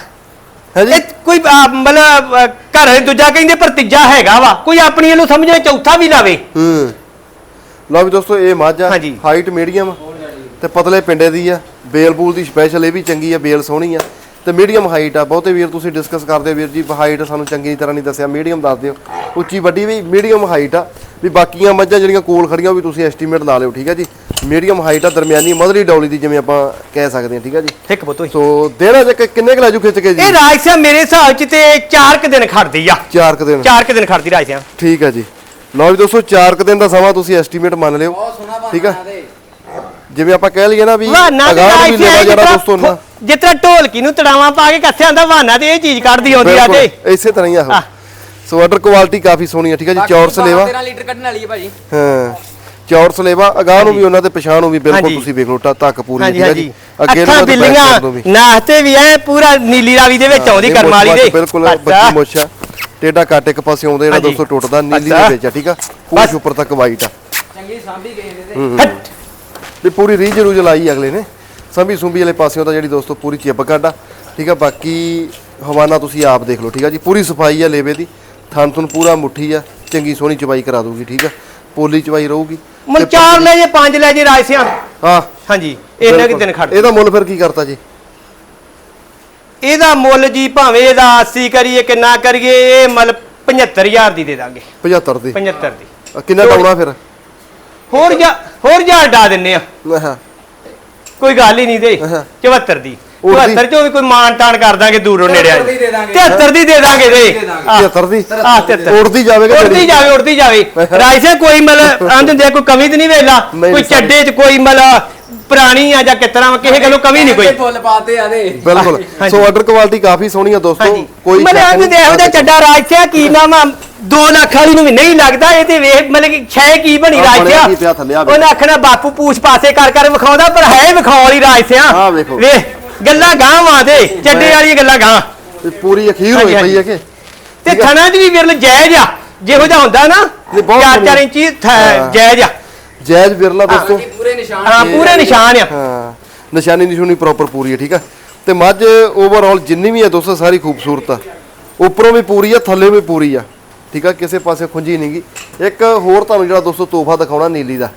Speaker 2: ਇਹ ਕੋਈ ਮਤਲਬ ਘਰ ਦੂਜਾ ਕਹਿੰਦੇ ਪਰ ਤੀਜਾ ਹੈਗਾ ਵਾ ਕੋਈ ਆਪਣੀ ਇਹਨੂੰ ਸਮਝੇ ਚੌਥਾ ਵੀ ਲਾਵੇ
Speaker 1: ਹੂੰ ਲਓ ਵੀ ਦੋਸਤੋ ਇਹ ਮੱਝ ਆ ਹਾਈਟ ਮੀਡੀਅਮ ਤੇ ਪਤਲੇ ਪਿੰਡੇ ਦੀ ਆ ਬੇਲ ਬੂਲ ਦੀ ਸਪੈਸ਼ਲ ਇਹ ਵੀ ਚੰਗੀ ਆ ਬੇਲ ਸੋਹਣੀ ਆ ਤੇ ਮੀਡੀਅਮ ਹਾਈਟ ਆ ਬਹੁਤੇ ਵੀਰ ਤੁਸੀਂ ਡਿਸਕਸ ਕਰਦੇ ਵੀਰ ਜੀ ਹਾਈਟ ਸਾਨੂੰ ਚੰਗੀ ਤਰ੍ਹਾਂ ਨਹੀਂ ਦੱਸਿਆ ਮੀਡੀਅਮ ਦੱਸ ਦਿਓ ਉੱਚੀ ਵੱਡੀ ਵੀ ਮੀਡੀਅਮ ਹਾਈਟ ਆ ਵੀ ਬਾਕੀਆਂ ਮੱਝਾਂ ਜਿਹੜੀਆਂ ਕੋਲ ਖੜੀਆਂ ਵੀ ਤੁਸੀਂ ਐਸਟੀਮੇਟ ਲਾ ਲਿਓ ਠੀਕ ਆ ਜੀ ਮੀਡੀਅਮ ਹਾਈਟ ਆ ਦਰਮਿਆਨੀ ਮਧਰੀ ਡੌਲੀ ਦੀ ਜਿਵੇਂ ਆਪਾਂ ਕਹਿ ਸਕਦੇ ਹਾਂ ਠੀਕ ਆ ਜੀ
Speaker 2: ਇੱਕ ਬਤੋਈ
Speaker 1: ਸੋ ਦੇਣਾ ਜੇ ਕਿੰਨੇ ਕੁ ਲਾਜੂ ਖਿੱਚ ਕੇ ਜੀ
Speaker 2: ਇਹ ਰਾਜਸਿਆ ਮੇਰੇ ਹਿਸਾਬ ਚ ਤੇ ਚਾਰ ਕੁ ਦਿਨ ਖੜਦੀ ਆ
Speaker 1: ਚਾਰ ਕੁ ਦਿਨ
Speaker 2: ਚਾਰ ਕੁ ਦਿਨ ਖੜਦੀ ਰਾਜਸਿਆ
Speaker 1: ਠੀਕ ਆ ਜੀ ਲਓ ਵੀ ਦੋਸਤੋ ਚਾਰ ਕੁ ਦਿਨ ਦਾ ਸਮਾਂ ਤੁਸੀਂ ਐਸਟੀਮੇਟ ਮੰਨ ਲਿਓ ਠੀਕ ਆ ਜਿਵੇਂ ਆਪਾਂ ਕਹਿ ਲਈਏ ਨਾ ਵੀ
Speaker 2: ਅਗਾਂਹ ਵੀ ਲੈਵਾ ਜਿਹੜਾ ਦੋਸਤੋ ਨਾ ਜਿਸ ਤਰ੍ਹਾਂ ਢੋਲਕੀ ਨੂੰ ਤੜਾਵਾਂ ਪਾ ਕੇ ਕੱਸਿਆਂ ਆਂਦਾ ਬਹਾਨਾ ਤੇ ਇਹ ਚੀਜ਼ ਕੱਢਦੀ ਆਉਂਦੀ ਆ ਤੇ
Speaker 1: ਇਸੇ ਤਰ੍ਹਾਂ ਹੀ ਆ ਸੋ ਆਰਡਰ ਕੁਆਲਿਟੀ ਕਾਫੀ ਸੋਹਣੀ ਆ ਠੀਕ ਆ ਜੀ ਚੌਰਸ ਲੇਵਾ
Speaker 3: ਤੇਰਾਂ ਲੀਟਰ ਕੱਢਣ ਵਾਲੀ ਹੈ ਭਾਜੀ
Speaker 1: ਹਾਂ ਚੌਰਸ ਲੇਵਾ ਅਗਾਹ ਨੂੰ ਵੀ ਉਹਨਾਂ ਦੇ ਪਛਾਣ ਨੂੰ ਵੀ ਬਿਲਕੁਲ ਤੁਸੀਂ ਵੇਖ ਲਓ ਤੱਕ ਪੂਰੀ ਠੀਕ ਆ ਜੀ
Speaker 2: ਅੱਗੇ ਅੱਖਾਂ ਬਿੱਲੀਆਂ ਨਾਹਤੇ ਵੀ ਐ ਪੂਰਾ ਨੀਲੀ ਰਾਵੀ ਦੇ ਵਿੱਚ ਆਉਂਦੀ ਕਰਮ ਵਾਲੀ ਦੇ
Speaker 1: ਬਿਲਕੁਲ ਬੱਚੀ ਮੁੱਛਾ ਟੇਡਾ ਕੱਟ ਇੱਕ ਪਾਸੇ ਆਉਂਦੇ ਜਿਹੜਾ ਦੋਸਤੋ ਟੁੱਟਦਾ ਨੀਲੀ ਦੇ ਵਿੱਚ ਆ ਠੀਕ ਆ ਪੂਛ ਉੱਪਰ ਤੱਕ ਵਾਈਟ ਆ
Speaker 3: ਚੰਗੀ ਸਾਂਭੀ ਗਈ ਇਹਦੇ ਤੇ
Speaker 1: ਤੇ ਪੂਰੀ ਰੀਜ ਰੂਜ ਲਾਈ ਅਗਲੇ ਨੇ ਸੰਭੀ ਸੁੰਭੀ ਵਾਲੇ ਪਾਸਿਓਂ ਤਾਂ ਜਿਹੜੀ ਦੋਸਤੋ ਪੂਰੀ ਚਿੱਬ ਕੱਢਾ ਠੀਕ ਆ ਬਾਕੀ ਹਵਾਨਾ ਤੁਸੀਂ ਆਪ ਦੇਖ ਲਓ ਠੀਕ ਆ ਜੀ ਪੂਰੀ ਸਫਾਈ ਆ ਲੇਵੇ ਦੀ ਥਣ ਥਣ ਪੂਰਾ ਮੁੱਠੀ ਆ ਚੰਗੀ ਸੋਹਣੀ ਚਵਾਈ ਕਰਾ ਦੂਗੀ ਠੀਕ ਆ ਪੋਲੀ ਚਵਾਈ ਰਹੂਗੀ
Speaker 2: ਮਨ ਚਾਰ ਲੈ ਜੇ ਪੰਜ ਲੈ ਜੇ ਰਾਜ ਸਿਆਂ
Speaker 1: ਹਾਂ
Speaker 2: ਹਾਂਜੀ ਇੰਨੇ ਕਿ ਦਿਨ ਖੜ
Speaker 1: ਇਹਦਾ ਮੁੱਲ ਫਿਰ ਕੀ ਕਰਤਾ ਜੀ
Speaker 2: ਇਹਦਾ ਮੁੱਲ ਜੀ ਭਾਵੇਂ ਇਹਦਾ ਅੱਸੀ ਕਰੀਏ ਕਿੰਨਾ ਕਰੀਏ ਇਹ ਮਤਲਬ ਪਝੱਤਰ ਹਜ਼ਾਰ ਦੀ ਦੇ ਦਾਂਗੇ
Speaker 1: ਪਝੱਤਰ ਦੀ
Speaker 2: ਪਝੱਤਰ ਦੀ
Speaker 1: ਕਿੰਨਾ ਡਾਉਣਾ ਫਿਰ
Speaker 2: ਹੋਰ ਜਾ ਹੋਰ ਜਾ ਡਾ ਦਿੰਨੇ ਆ
Speaker 1: ਹਾਂ
Speaker 2: ਕੋਈ ਗੱਲ ਹੀ ਨਹੀਂ ਦੇ ਚੁਹੱਤਰ ਦੀ ਚੁਹੱਤਰ ਚੋਂ ਵੀ ਕੋਈ ਮਾਨ ਤਾਨ ਕਰ ਦਾਂਗੇ ਦੂਰੋਂ ਨੇੜੇ ਆ ਤੇਹੱਤਰ ਦੀ ਦੇ ਦਾਂਗੇ ਦੇ
Speaker 1: ਤੇਹੱਤਰ ਦੀ
Speaker 2: ਆ ਤੇਹੱਤਰ
Speaker 1: ਉੜਦੀ ਜਾਵੇਗਾ
Speaker 2: ਉੜਦੀ ਜਾਵੇ ਉੜਦੀ ਜਾਵੇ ਰਾਈਸੇ ਕੋਈ ਮਤਲਬ ਆਂ ਦਿੰਦੇ ਕੋਈ ਕਮੀ ਤੇ ਨਹੀਂ ਵੇਲਾ ਕੋਈ ਚੱਡੇ ਚ ਕੋਈ ਮਤਲਬ ਪੁਰਾਣੀ ਆ ਜਾਂ ਕਿਤਰਾ ਕਿਸੇ ਗੱਲੋਂ ਕਮੀ ਨਹੀਂ ਕੋਈ
Speaker 3: ਫੁੱਲ ਪਾਤੇ ਆ ਦੇ
Speaker 1: ਬਿਲਕੁਲ ਸੋ ਆਰਡਰ ਕੁਆਲਿਟੀ ਕਾਫੀ ਸੋਹਣੀ ਆ ਦੋਸਤੋ
Speaker 2: ਕੋਈ ਮਤਲਬ ਆਂ ਦਿੰਦੇ ਇਹੋ ਜਿਹਾ ਚੱਡਾ ਰਾਜਸਿਆ ਕੀ ਨਾਮ ਆ ਦੋ ਲੱਖ ਵਾਲੀ ਨੂੰ ਵੀ ਨਹੀਂ ਲੱਗਦਾ ਇਹ ਤੇ ਵੇਖ ਮਤਲਬ ਕਿ ਛੇ ਕੀ ਬਣੀ ਰਾਜਸਿਆ ਉਹਨੇ ਆਖਣਾ ਬਾਪੂ ਪੂਛ ਪਾਸੇ ਕਰ ਕਰ ਵਿਖਾਉਂਦਾ ਪਰ ਹੈ ਵਿਖਾਉਣ ਵਾਲੀ ਰਾਜਸਿਆ ਵੇਖ ਗੱਲਾਂ ਗਾਂ ਵਾਂ ਦੇ ਚੱਡੇ ਵਾਲੀਆਂ ਗੱਲਾਂ ਗਾਂ
Speaker 1: ਪੂਰੀ ਅਖੀਰ ਹੋਈ ਪਈ ਹੈ ਕਿ
Speaker 2: ਤੇ ਥਣਾ ਦੀ ਵੀ ਵਿਰਲ ਜਾਇਜ਼ ਆ ਜਿਹੋ ਜਿਹਾ ਹੁੰਦਾ ਨਾ ਚਾਰ ਚਾਰ ਇੰਚੀ ਜਾਇਜ਼ ਆ
Speaker 1: ਜਾਇਜ਼ ਵਿਰਲਾ ਦੋਸਤੋ
Speaker 3: ਪੂਰੇ ਨਿਸ਼ਾਨ
Speaker 2: ਹਾਂ ਪੂਰੇ ਨਿਸ਼ਾਨ ਆ
Speaker 1: ਹਾਂ ਨਿਸ਼ਾਨੀ ਨਿਸ਼ੂਨੀ ਪ੍ਰੋਪਰ ਪੂਰੀ ਹੈ ਠੀਕ ਆ ਤੇ ਮੱਝ ਓਵਰਆਲ ਜਿੰਨੀ ਵੀ ਹੈ ਦੋਸਤੋ ਸਾਰੀ ਖੂਬਸੂਰਤ ਆ ਉੱਪਰੋਂ ਵੀ ਪੂਰੀ ਆ ਥੱਲੇ ਵੀ ਪੂਰੀ ਆ ਠੀਕ ਆ ਕਿਸੇ ਪਾਸੇ ਖੁੰਝੀ ਨਹੀਂਗੀ ਇੱਕ ਹੋਰ ਤੁਹਾਨੂੰ ਜਿਹੜਾ ਦੋਸਤੋ ਤੋਹਫਾ ਦਿਖਾਉਣਾ ਨੀਲੀ ਦਾ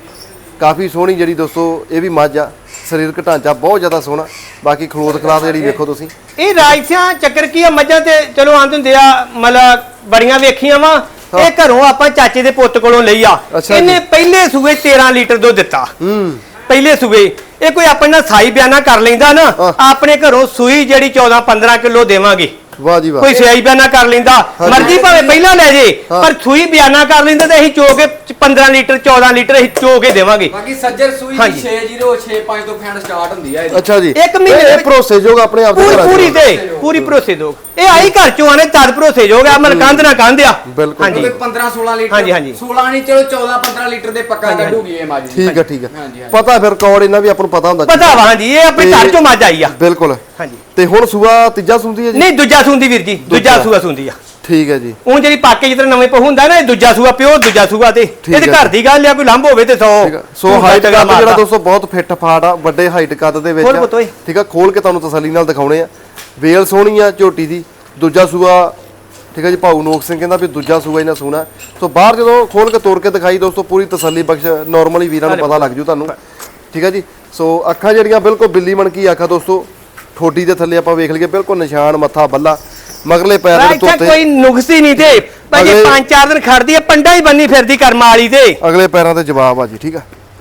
Speaker 1: ਕਾਫੀ ਸੋਹਣੀ ਜਿਹੜੀ ਦੋਸਤੋ ਇਹ ਵੀ ਮੱਝ ਆ ਸਰੀਰਕ ਢਾਂਚਾ ਬਹੁਤ ਜ਼ਿਆਦਾ ਸੋਹਣਾ ਬਾਕੀ ਖਲੋਤ ਖਲਾਸ ਜਿਹੜੀ ਵੇਖੋ ਤੁਸੀਂ
Speaker 2: ਇਹ ਰਾਜਸਿਆਂ ਚੱਕਰ ਕੀ ਆ ਮੱਝਾਂ ਤੇ ਚਲੋ ਆਂਦ ਹੁੰਦੇ ਆ ਮਤਲਬ ਬੜੀਆਂ ਵੇਖੀਆਂ ਵਾ ਇਹ ਘਰੋਂ ਆਪਾਂ ਚਾਚੇ ਦੇ ਪੁੱਤ ਕੋਲੋਂ ਲਈ ਆ ਇਹਨੇ ਪਹਿਲੇ ਸੂਏ ਤੇਰਾਂ ਲੀਟਰ ਦੁੱਧ ਦਿੱਤਾ
Speaker 1: ਹੂੰ
Speaker 2: ਪਹਿਲੇ ਸੂਏ ਇਹ ਕੋਈ ਆਪਣਾ ਸਾਈ ਬਿਆਨਾ ਕਰ ਲੈਂਦਾ ਨਾ ਆਪਣੇ ਘਰੋਂ ਸੂਈ ਜਿਹੜੀ ਚੌਦਾਂ ਪੰਦਰਾਂ ਕਿਲੋ ਦੇਵਾਂਗੇ
Speaker 1: ਵਾਹ ਜੀ ਵਾਹ
Speaker 2: ਕੋਈ ਸਿਆਈ ਬਿਆਨਾ ਕਰ ਲੈਂਦਾ ਮਰਜ਼ੀ ਭਾਵੇਂ ਪਹਿਲਾਂ ਲੈ ਜੇ ਪਰ ਸੂਈ ਬਿਆਨਾ ਕਰ ਲੈਂਦਾ ਤੇ ਅਸੀਂ ਚੋ ਕੇ ਪੰਦਰਾਂ ਲੀਟਰ ਚੌਦਾਂ ਲੀਟਰ ਅਸੀਂ ਚੋ ਕੇ ਦੇਵਾਂਗੇ
Speaker 3: ਬਾਕੀ ਸੱਜਰ ਸੂਈ ਦੀ ਛੇ ਜ਼ੀਰੋ ਛੇ ਪੰਜ ਤੋਂ ਫੈਨ ਸਟਾਰਟ ਹੁੰਦੀ ਹੈ
Speaker 1: ਅੱਛਾ ਜੀ
Speaker 2: ਇੱਕ ਮਹੀਨੇ
Speaker 1: ਇਹ ਭਰੋਸੇਯੋਗ ਆਪਣੇ ਆਪ ਦੇ
Speaker 2: ਪੂਰੀ ਪੂਰੀ ਤੇ ਪੂਰੀ ਭਰੋਸੇਯੋਗ ਇਹ ਆਈ ਘਰ ਚੋਂ ਆਨੇ ਤਦ ਭਰੋਸੇਯੋਗ ਆ ਮਨ ਕੰਧ ਨਾ ਕੰਧ ਆ
Speaker 1: ਹਾਂਜੀ
Speaker 3: ਪੰਦਰਾਂ ਸੋਲਾਂ ਲੀਟਰ
Speaker 2: ਹਾਂਜੀ ਹਾਂਜੀ
Speaker 3: ਸੋਲਾਂ ਨਹੀਂ ਚਲੋ ਚੌਦਾਂ ਪੰਦਰਾਂ ਲੀਟਰ ਦੇ ਪੱਕਾ ਕੱਢੂਗੀ ਇਹ ਮੱਝ
Speaker 1: ਠੀਕ ਹੈ ਠੀਕ ਹੈ ਪਤਾ ਫਿਰ ਕੌੜ ਇਹਨਾਂ ਵੀ ਆਪਾਂ ਨੂੰ ਪਤਾ ਹੁੰਦਾ
Speaker 2: ਪਤਾ ਵਾ ਹਾਂਜੀ ਇਹ ਆਪਣੇ ਘਰ ਚੋਂ ਮੱਝ ਆਈ ਆ
Speaker 1: ਬਿਲਕੁਲ
Speaker 2: ਹਾਂਜੀ
Speaker 1: ਤੇ ਹੁਣ ਸੂਆ ਤੀਜਾ ਸੁੰਦੀ ਹੈ ਜੀ
Speaker 2: ਨਹੀਂ ਦੂਜਾ ਸੁੰਦੀ ਵੀਰ ਜੀ ਦੂਜਾ ਸੂਆ ਸੁੰਦੀ ਆ
Speaker 1: ਠੀਕ ਹੈ ਜੀ
Speaker 2: ਉਹ ਜਿਹੜੀ ਪਾਕੇ ਜਿੱਦਾਂ ਨਵੇਂ ਪਹੂ ਹੁੰਦਾ ਨਾ ਇਹ ਦੂਜਾ ਸੂਆ ਪਿਓ ਦੂਜਾ ਸੂਆ ਤੇ ਇਹਦੇ ਘਰ ਦੀ ਗੱਲ ਆ ਕੋਈ ਲੰਬ ਹੋਵੇ ਤੇ ਸੌ
Speaker 1: ਸੋ ਹਾਈਟ ਕੱਦ ਜਿਹੜਾ ਦੋਸਤੋ ਬਹੁਤ ਫਿੱਟ ਫਾੜ ਆ ਵੱਡੇ ਹਾਈਟ ਕੱਦ ਦੇ ਵਿੱਚ ਠੀਕ ਆ ਖੋਲ ਕੇ ਤੁਹਾਨੂੰ ਤਸੱਲੀ ਨਾਲ ਦਿਖਾਉਣੇ ਆ ਵੇਲ ਸੋਹਣੀ ਆ ਝੋਟੀ ਦੀ ਦੂਜਾ ਸੂਆ ਠੀਕ ਆ ਜੀ ਭਾਊ ਨੋਕ ਸਿੰਘ ਕਹਿੰਦਾ ਵੀ ਦੂਜਾ ਸੂਆ ਇਹਨਾਂ ਸੋਹਣਾ ਸੋ ਬਾਹਰ ਜਦੋਂ ਖੋਲ ਕੇ ਤੋੜ ਕੇ ਦਿਖਾਈ ਦੋਸਤੋ ਪੂਰੀ ਤਸੱਲੀ ਬਖਸ਼ ਨਾਰਮਲੀ ਵੀਰਾਂ ਨੂੰ ਪਤਾ ਲੱਗ ਜੂ ਤੁਹਾਨੂੰ ਠੀਕ ਆ ਜੀ ਸੋ ਅੱਖਾਂ ਜਿਹੜੀਆਂ ਬਿਲਕੁਲ ਬਿੱਲੀ ਬਣ ਕੀ ਅੱਖਾਂ ਦੋਸਤੋ ਠੋਡੀ ਦੇ ਥੱਲੇ ਆਪਾਂ ਵੇਖ ਲਈਏ ਬਿਲਕੁਲ ਨਿਸ਼ਾਨ ਮੱਥਾ ਬੱਲਾ ਮਗਲੇ ਪੈਰ ਦੇ
Speaker 2: ਉੱਤੇ ਕੋਈ ਨੁਕਸੀ ਨਹੀਂ ਤੇ ਭਾਜੀ ਪੰਜ ਚਾਰ ਦਿਨ ਖੜਦੀ ਆ ਪੰਡਾ ਹੀ ਬੰਨੀ ਫਿਰਦੀ ਕਰਮਾ ਵਾਲੀ ਤੇ
Speaker 1: ਅਗਲੇ ਪੈਰਾਂ ਤੇ ਜਵਾਬ ਆ ਜੀ ਠੀਕ ਆ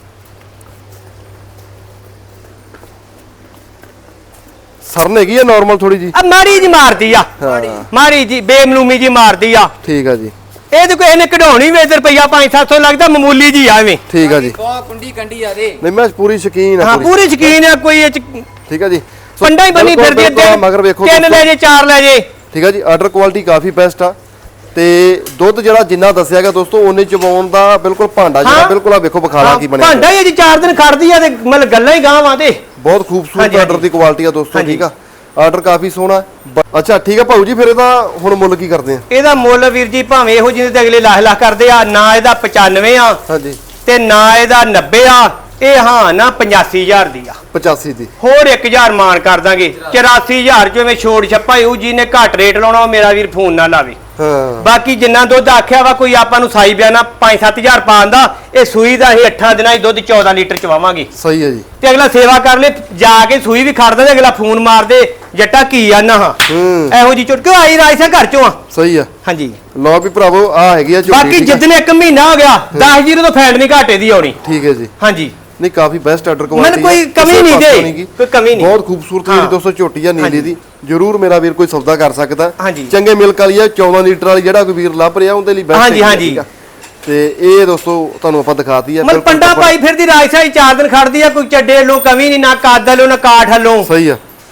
Speaker 1: ਸਰਨ ਹੈਗੀ ਆ ਨਾਰਮਲ ਥੋੜੀ ਜੀ
Speaker 2: ਆ ਮਾੜੀ ਜੀ ਮਾਰਦੀ ਆ ਮਾੜੀ ਜੀ ਬੇਮਲੂਮੀ ਜੀ ਮਾਰਦੀ ਆ
Speaker 1: ਠੀਕ ਆ ਜੀ
Speaker 2: ਇਹ ਤੇ ਕੋਈ ਇਹਨੇ ਕਢਾਉਣੀ ਵੇ ਰੁਪਈਆ ਪੰਜ ਸੱਤ ਸੌ ਲੱਗਦਾ ਮਾਮੂਲੀ ਜੀ ਆ ਐਵੇਂ
Speaker 1: ਠੀਕ ਆ ਜੀ
Speaker 3: ਬਹੁਤ ਕੁੰਡੀ ਕੰਡੀ ਆ ਦੇ
Speaker 1: ਨਹੀਂ ਮੈਂ ਪੂਰੀ ਸ਼ਕੀਨ ਆ
Speaker 2: ਹਾਂ ਪੂਰੀ ਸ਼ਕੀਨ ਆ ਕੋਈ ਇਹ ਚ
Speaker 1: ਠੀਕ ਆ ਜੀ
Speaker 2: ਪੰਡਾ ਹੀ ਬੰਨੀ ਫਿਰਦੀ ਆ
Speaker 1: ਮਗਰ ਵੇਖੋ
Speaker 2: ਤਿੰਨ ਲੈ ਜੇ ਚਾਰ ਲੈ ਜੇ
Speaker 1: ਠੀਕ ਆ ਜੀ ਆਰਡਰ ਕੁਆਲਿਟੀ ਕਾਫੀ ਬੈਸਟ ਆ ਤੇ ਦੁੱਧ ਜਿਹੜਾ ਜਿੰਨਾ ਦੱਸਿਆ ਗਿਆ ਦੋਸਤੋ ਉਹਨੇ ਚਵਾਉਣ ਦਾ ਬਿਲਕੁਲ ਭਾਂਡਾ ਜਿਹੜਾ ਬਿਲਕੁਲ ਆ ਵੇਖੋ ਬਖਾਲਾ ਕੀ ਬਣਿਆ
Speaker 2: ਭਾਂਡਾ ਹੀ ਜੀ ਚਾਰ ਦਿਨ ਖੜਦੀ ਆ ਤੇ ਮਤਲਬ ਗੱਲਾਂ ਹੀ ਗਾਵਾਂ ਤੇ
Speaker 1: ਬਹੁਤ ਖੂਬਸੂਰਤ ਆਰਡਰ ਦੀ ਕੁਆਲਿਟੀ ਆ ਦੋਸਤੋ ਠੀਕ ਆ ਆਰਡਰ ਕਾਫੀ ਸੋਹਣਾ ਅੱਛਾ ਠੀਕ ਆ ਭਾਊ ਜੀ ਫਿਰ ਇਹਦਾ ਹੁਣ ਮੁੱਲ ਕੀ ਕਰਦੇ ਆ
Speaker 2: ਇਹਦਾ ਮੁੱਲ ਵੀਰ ਜੀ ਭਾਵੇਂ ਇਹੋ ਜਿਹੇ ਤੇ ਅਗਲੇ ਲੱਖ ਲੱਖ ਕਰਦੇ ਆ ਨਾ ਇਹਦਾ ਪਚਾਨਵੇਂ ਆ
Speaker 1: ਹਾਂਜੀ
Speaker 2: ਤੇ ਨਾ ਇਹਦਾ ਨੱਬੇ ਆ ਇਹ ਹਾਂ ਨਾ ਪਚਾਸੀ ਹਜ਼ਾਰ ਦੀ ਆ
Speaker 1: ਪਚਾਸੀ ਦੀ
Speaker 2: ਹੋਰ ਇੱਕ ਹਜ਼ਾਰ ਮਾਨ ਕਰ ਦਾਂਗੇ ਚੁਰਾਸੀ ਹਜ਼ਾਰ ਚੋਂ ਮੈਂ ਛੋੜ ਛੱਪਾ ਹੋਊ ਜਿਹਨੇ ਘੱਟ ਰੇਟ ਲਾਉਣਾ ਉਹ ਮੇਰਾ ਵੀਰ ਫੋਨ ਨਾ ਲਾਵੇ
Speaker 1: ਹਾਂ
Speaker 2: ਬਾਕੀ ਜਿੰਨਾ ਦੁੱਧ ਆਖਿਆ ਵਾ ਕੋਈ ਆਪਾਂ ਨੂੰ ਸਾਈ ਬਿਆਨਾ ਪੰਜ ਸੱਤ ਹਜ਼ਾਰ ਪਾਉਣ ਦਾ ਇਹ ਸੂਈ ਦਾ ਇਹ ਅੱਠਾਂ ਦਿਨਾਂ 'ਚ ਦੁੱਧ ਚੌਦਾਂ ਲੀਟਰ ਚਵਾਵਾਂਗੇ
Speaker 1: ਸਹੀ ਹੈ ਜੀ
Speaker 2: ਤੇ ਅਗਲਾ ਸੇਵਾ ਕਰ ਲੇ ਜਾ ਕੇ ਸੂਈ ਵੀ ਖੜਦਾ ਤੇ ਅਗਲਾ ਫੋਨ ਮਾਰ ਦੇ ਜੱਟਾ ਕੀ ਆ ਨਾ ਇਹੋ ਜੀ ਚੁਟਕੀ ਆਈ ਰਾਜਸਾ ਘਰ ਚੋਂ ਆ
Speaker 1: ਸਹੀ ਆ
Speaker 2: ਹਾਂਜੀ
Speaker 1: ਲਓ ਵੀ ਭਰਾਵੋ ਆ ਹੈਗੀ ਆ ਝੋਟੀ
Speaker 2: ਬਾਕੀ ਜਿੱਦਨ ਇੱਕ ਮਹੀਨਾ ਹੋ ਗਿਆ ਦਸ ਜੀਰੋ ਤੋਂ ਫੈਂਡ ਨਹੀਂ ਘਾਟੇ ਦੀ ਆਉਣੀ
Speaker 1: ਠੀਕ ਹੈ ਜੀ
Speaker 2: ਹਾਂਜੀ
Speaker 1: ਨਹੀਂ ਕਾਫੀ ਬੈਸਟ ਆਰਡਰ ਕੁਆਲਿਟੀ
Speaker 2: ਮੈਨੂੰ ਕੋਈ ਕਮੀ ਨਹੀਂ ਦੇ ਕੋਈ ਕਮੀ ਨਹੀਂ
Speaker 1: ਬਹੁਤ ਖੂਬਸੂਰਤ ਜਿਹੜੀ ਦੋਸਤੋ ਝੋਟੀ ਆ ਨੀਲੀ ਦੀ ਜਰੂਰ ਮੇਰਾ ਵੀਰ ਕੋਈ ਸੌਦਾ ਕਰ ਸਕਦਾ
Speaker 2: ਹਾਂਜੀ
Speaker 1: ਚੰਗੇ ਮਿਲਕ ਵਾਲੀ ਆ ਚੌਦਾਂ ਲੀਟਰ ਵਾਲੀ ਜਿਹੜਾ ਕੋਈ ਵੀਰ ਲੱਭ ਰਿਹਾ ਉਹਦੇ ਲਈ ਬੈਸਟ
Speaker 2: ਹਾਂਜੀ ਹਾਂਜੀ
Speaker 1: ਤੇ ਇਹ ਦੋਸਤੋ ਤੁਹਾਨੂੰ ਆਪਾਂ ਦਿਖਾਤੀ ਆ
Speaker 2: ਮਨ ਪੰਡਾ ਪਾਈ ਫਿਰਦੀ ਰਾਜਸ਼ਾਹੀ ਚਾਰ ਦਿਨ ਖੜਦੀ ਆ ਕੋਈ ਚੱਡੇ ਵੱਲੋਂ ਕਮੀ ਨਹੀਂ ਨਾ ਕਾਦ ਵੱਲੋਂ ਨਾ ਕਾਠ ਵੱਲੋਂ
Speaker 1: ਸਹੀ ਆ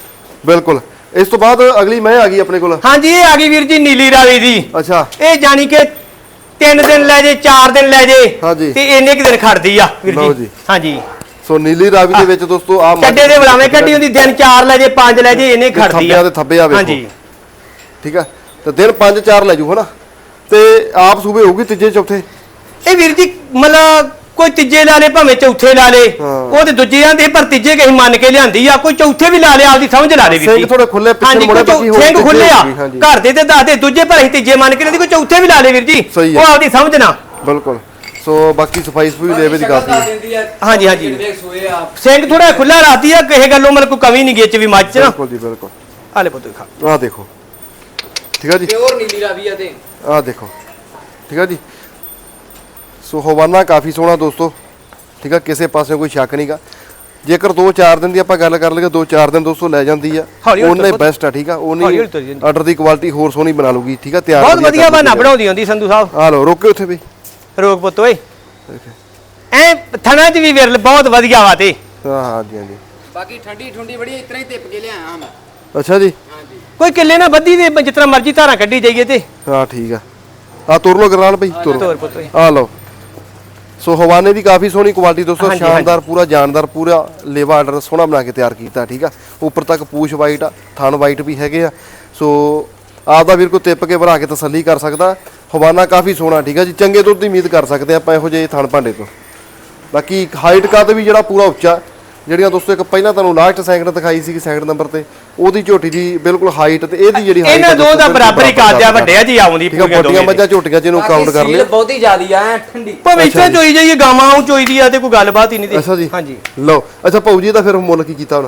Speaker 1: ਬਿਲਕੁਲ। ਇਸ ਤੋਂ ਬਾਅਦ ਅਗਲੀ ਮੈਂ ਆ ਗਈ ਆਪਣੇ ਕੋਲ।
Speaker 2: ਹਾਂਜੀ ਇਹ ਆ ਗਈ ਵੀਰ ਜੀ ਨੀਲੀ ਰਾਵੀ ਦੀ।
Speaker 1: ਅੱਛਾ
Speaker 2: ਇਹ ਜਾਨੀ ਕਿ ਤਿੰਨ ਦਿਨ ਲੈ ਜੇ ਚਾਰ ਦਿਨ ਲੈ ਜੇ
Speaker 1: ਹਾਂਜੀ।
Speaker 2: ਤੇ ਇੰਨੇ ਕਿ ਦਿਨ ਖੜਦੀ ਆ ਵੀਰ
Speaker 1: ਲਓ
Speaker 2: ਜੀ
Speaker 1: ਜੀ।
Speaker 2: ਹਾਂਜੀ
Speaker 1: ਸੋ ਨੀਲੀ ਰਾਵੀ ਦੇ ਵਿੱਚ ਦੋਸਤੋ ਆ
Speaker 2: ਕੱਡੇ ਦੇ ਬਲਾਵੇਂ ਕੱਢੀ ਹੁੰਦੀ ਦਿਨ ਚਾਰ ਲੈ ਜੇ ਪੰਜ ਲੈ ਜੇ ਇਹਨੇ ਖੜਦੀ
Speaker 1: ਥੱਬਿਆਂ
Speaker 2: ਆ
Speaker 1: ਦੇ ਥੱਬੇ ਆ ਵੇਖੋ।
Speaker 2: ਹਾਂਜੀ
Speaker 1: ਠੀਕ ਆ ਤੇ ਦਿਨ ਪੰਜ ਚਾਰ ਲੈ ਜੂ ਹਨਾ ਤੇ ਆਪ ਸੂਬੇ ਹੋਊਗੀ ਤੀਜੇ ਚੌਥੇ।
Speaker 2: ਇਹ ਵੀਰ ਜੀ ਮਤਲਬ ਕੋਈ ਤੀਜੇ ਲਾ ਲੇ ਭਾਵੇਂ ਚੌਥੇ ਲਾ ਲੇ
Speaker 1: ਹਾਂ।
Speaker 2: ਉਹ ਤੇ ਦੂਜੇ ਆਂਦੇ ਪਰ ਤੀਜੇ ਕਹੀਂ ਮੰਨ ਕੇ ਲਿਆਂਦੀ ਆ ਕੋਈ ਚੌਥੇ ਵੀ ਲਾ ਲੇ ਆਪਦੀ ਸਮਝ ਲਾ ਲੇ ਵੀਰ ਜੀ
Speaker 1: ਸਿੰਘ ਥੋੜੇ ਖੁੱਲੇ ਪਿੱਛੇ
Speaker 2: ਹਾਂਜੀ,
Speaker 1: ਮੁੜੇ
Speaker 2: ਕੋਈ
Speaker 1: ਬਾਕੀ ਹੋਰ
Speaker 2: ਸਿੰਘ
Speaker 1: ਤੀਜੇ
Speaker 2: ਖੁੱਲੇ ਆ
Speaker 1: ਹੋਊਗੀ, ਹਾਂਜੀ।
Speaker 2: ਘਰ ਦੇ ਤੇ ਦੱਸਦੇ ਦੂਜੇ ਪਰ ਅਸੀਂ ਤੀਜੇ ਮੰਨ ਕੇ ਲਿਆਂਦੀ ਕੋਈ ਚੌਥੇ ਵੀ ਲਾ ਲੇ ਵੀਰ ਜੀ
Speaker 1: ਸਹੀ
Speaker 2: ਉਹ
Speaker 1: ਹੈ।
Speaker 2: ਆਪਦੀ ਸਮਝ ਨਾ
Speaker 1: ਬਿਲਕੁਲ। ਸੋ ਬਾਕੀ ਸਫਾਈ ਸਫੂਈ ਦੇਵੇ ਦੀ ਕਾਫੀ ਹੈ।
Speaker 2: ਹਾਂਜੀ, ਹਾਂਜੀ।
Speaker 3: ਦੇਖ ਸੋਏ ਆ
Speaker 2: ਸਿੰਘ ਥੋੜਾ ਖੁੱਲਾ ਰਾਤੀ ਆ ਕਿਸੇ ਗੱਲੋਂ ਮਤਲਬ ਕੋਈ ਕਮੀ ਨਹੀਂ ਗੇਚ ਵੀ ਮੱਝ ਚ ਨਾ
Speaker 1: ਬਿਲਕੁਲ ਜੀ ਬਿਲਕੁਲ।
Speaker 2: ਆਲੇ ਪੁੱਤ ਖਾ
Speaker 1: ਆਹ ਦੇਖੋ ਠੀਕ ਆ ਜੀ
Speaker 3: ਪਿਓਰ ਨੀਲੀ ਰਾਵੀ ਆ ਤੇ
Speaker 1: ਆਹ ਦੇਖੋ ਠੀਕ ਆ ਜੀ। ਸੋ ਹਵਾਨਾ ਕਾਫੀ ਸੋਹਣਾ ਦੋਸਤੋ ਠੀਕ ਆ ਕਿਸੇ ਪਾਸੇ ਕੋਈ ਸ਼ੱਕ ਨਹੀਂਗਾ। ਜੇਕਰ ਦੋ ਚਾਰ ਦਿਨ ਦੀ ਆਪਾਂ ਗੱਲ ਕਰ ਲਈਏ ਦੋ ਚਾਰ ਦਿਨ ਦੋਸਤੋ ਲੈ ਜਾਂਦੀ ਆ
Speaker 2: ਹੌਲੀ ਹੌਲੀ
Speaker 1: ਉਹਨੇ
Speaker 2: ਤੁਰ-
Speaker 1: ਬੈਸਟ ਆ ਠੀਕ ਆ
Speaker 2: ਹੌਲੀ
Speaker 1: ਉਹਨੇ
Speaker 2: ਹੌਲੀ ਤੁਰ ਜਾਂਦੀ।
Speaker 1: ਆਰਡਰ ਦੀ ਕੁਆਲਿਟੀ ਹੋਰ ਸੋਹਣੀ ਬਣਾ ਲੂਗੀ ਠੀਕ ਆ ਤਿਆਰ
Speaker 2: ਬਹੁਤ ਵਧੀਆ
Speaker 1: ਕਰ
Speaker 2: ਬਹਾਨਾ
Speaker 1: ਲੂਗੀ।
Speaker 2: ਬਣਾਉਂਦੀ ਹੁੰਦੀ ਸੰਧੂ ਸਾਹਿਬ
Speaker 1: ਆ ਲਓ ਰੋਕੇ ਉੱਥੇ ਵੀ
Speaker 2: ਰੋਕ ਪੁੱਤ ਓਏ ਐ ਥਣਾ ਚ ਵੀ ਵਿਰਲ ਬਹੁਤ ਵਧੀਆ ਵਾ ਤੇ
Speaker 1: ਹਾਂ ਹਾਂ ਜੀ ਹਾਂਜੀ।
Speaker 3: ਬਾਕੀ ਠੰਡੀ ਠੁੰਡੀ ਬੜੀ ਇਤਨਾ ਹੀ ਟਿਪ ਕੇ ਲਿਆਇਆ ਮੈਂ।
Speaker 1: ਅੱਛਾ ਜੀ
Speaker 3: ਹਾਂਜੀ
Speaker 2: ਕੋਈ ਕਿੱਲੇ ਨਾ ਬੱਦੀ ਦੇ ਜਿਤਨਾ ਮਰਜ਼ੀ ਧਾਰਾਂ ਕੱਢੀ ਜਾਈਏ ਤੇ
Speaker 1: ਹਾਂ ਠੀਕ ਆ ਆ ਤੁਰ ਲੋ ਗਰਨਾਲ ਭਾਈ ਤੁਰ
Speaker 2: ਤੋਰ ਪੁੱਤ ਓਏ
Speaker 1: ਆ ਲਓ। ਸੋ ਹਵਾਨੇ ਦੀ ਕਾਫੀ ਸੋਹਣੀ ਕੁਆਲਿਟੀ ਦੋਸਤੋ
Speaker 2: ਹਾਂਜੀ,
Speaker 1: ਸ਼ਾਨਦਾਰ ਪੂਰਾ ਜਾਨਦਾਰ ਪੂਰਾ ਲੇਵਾ ਆਰਡਰ ਸੋਹਣਾ ਬਣਾ ਕੇ ਤਿਆਰ ਕੀਤਾ ਠੀਕ ਆ ਉੱਪਰ ਤੱਕ ਪੂਛ ਵਾਈਟ ਆ ਥਣ ਵਾਈਟ ਵੀ ਹੈਗੇ ਆ। ਸੋ ਆਪਦਾ ਵੀਰ ਕੋ ਤਿੱਪ ਕੇ ਭਰਾ ਕੇ ਤਸੱਲੀ ਕਰ ਸਕਦਾ। ਹਵਾਨਾ ਕਾਫੀ ਸੋਹਣਾ ਠੀਕ ਆ ਜੀ ਚੰਗੇ ਦੁੱਧ ਦੀ ਉਮੀਦ ਕਰ ਸਕਦੇ ਆਪਾਂ ਇਹੋ ਜਿਹੇ ਥਣ ਭਾਂਡੇ ਤੋਂ। ਬਾਕੀ ਹਾਈਟ ਕੱਦ ਵੀ ਜਿਹੜਾ ਪੂਰਾ ਉੱਚਾ ਜਿਹੜੀਆਂ ਦੋਸਤੋ ਇੱਕ ਪਹਿਲਾਂ ਤੁਹਾਨੂੰ ਲਾਸਟ ਸੈਕਿੰਡ ਦਿਖਾਈ ਸੀ ਸੈਕਿੰਡ ਨੰਬਰ ਤੇ ਉਹਦੀ ਝੋਟੀ ਦੀ ਬਿਲਕੁਲ ਹਾਈਟ ਤੇ ਇਹਦੀ ਜਿਹੜੀ height
Speaker 2: ਇਹਨਾਂ
Speaker 1: ਆ
Speaker 2: ਦੋ
Speaker 1: ਦੋਸਤੋ
Speaker 2: ਦਾ
Speaker 1: ਬਿਲਕੁਲ
Speaker 2: ਬਰਾਬਰ ਹੀ ਕਰਦੇ ਆ ਵੱਡੇ ਆ ਜੀ ਆਉਂਦੀ
Speaker 1: ਠੀਕ ਆ ਵੱਡੀਆਂ ਮੱਝਾਂ ਝੋਟੀਆਂ ਜਿਹਨੂੰ ਕਾਊਂਟ ਕਰ
Speaker 3: ਸੀਲ
Speaker 1: ਲਿਓ।
Speaker 3: ਬਹੁਤੀ ਜ਼ਿਆਦੀ ਆ ਐਂ ਠੰਡੀ
Speaker 2: ਭਾਵੇਂ
Speaker 1: ਅੱਛਾ
Speaker 2: ਇੱਥੇ
Speaker 1: ਜੀ।
Speaker 2: ਚੋਈ ਜਾਈਏ ਗਾਵਾਂ ਉਹ ਚੋਈ ਦੀ ਆ ਤੇ ਕੋਈ ਗੱਲਬਾਤ ਹੀ ਨਹੀਂ
Speaker 1: ਅੱਛਾ
Speaker 2: ਤੇ
Speaker 1: ਜੀ
Speaker 2: ਹਾਂਜੀ
Speaker 1: ਲਓ ਅੱਛਾ ਭਾਊ ਜੀ ਦਾ ਫਿਰ ਮੁੱਲ ਕੀ ਕੀਤਾ ਹੁਣ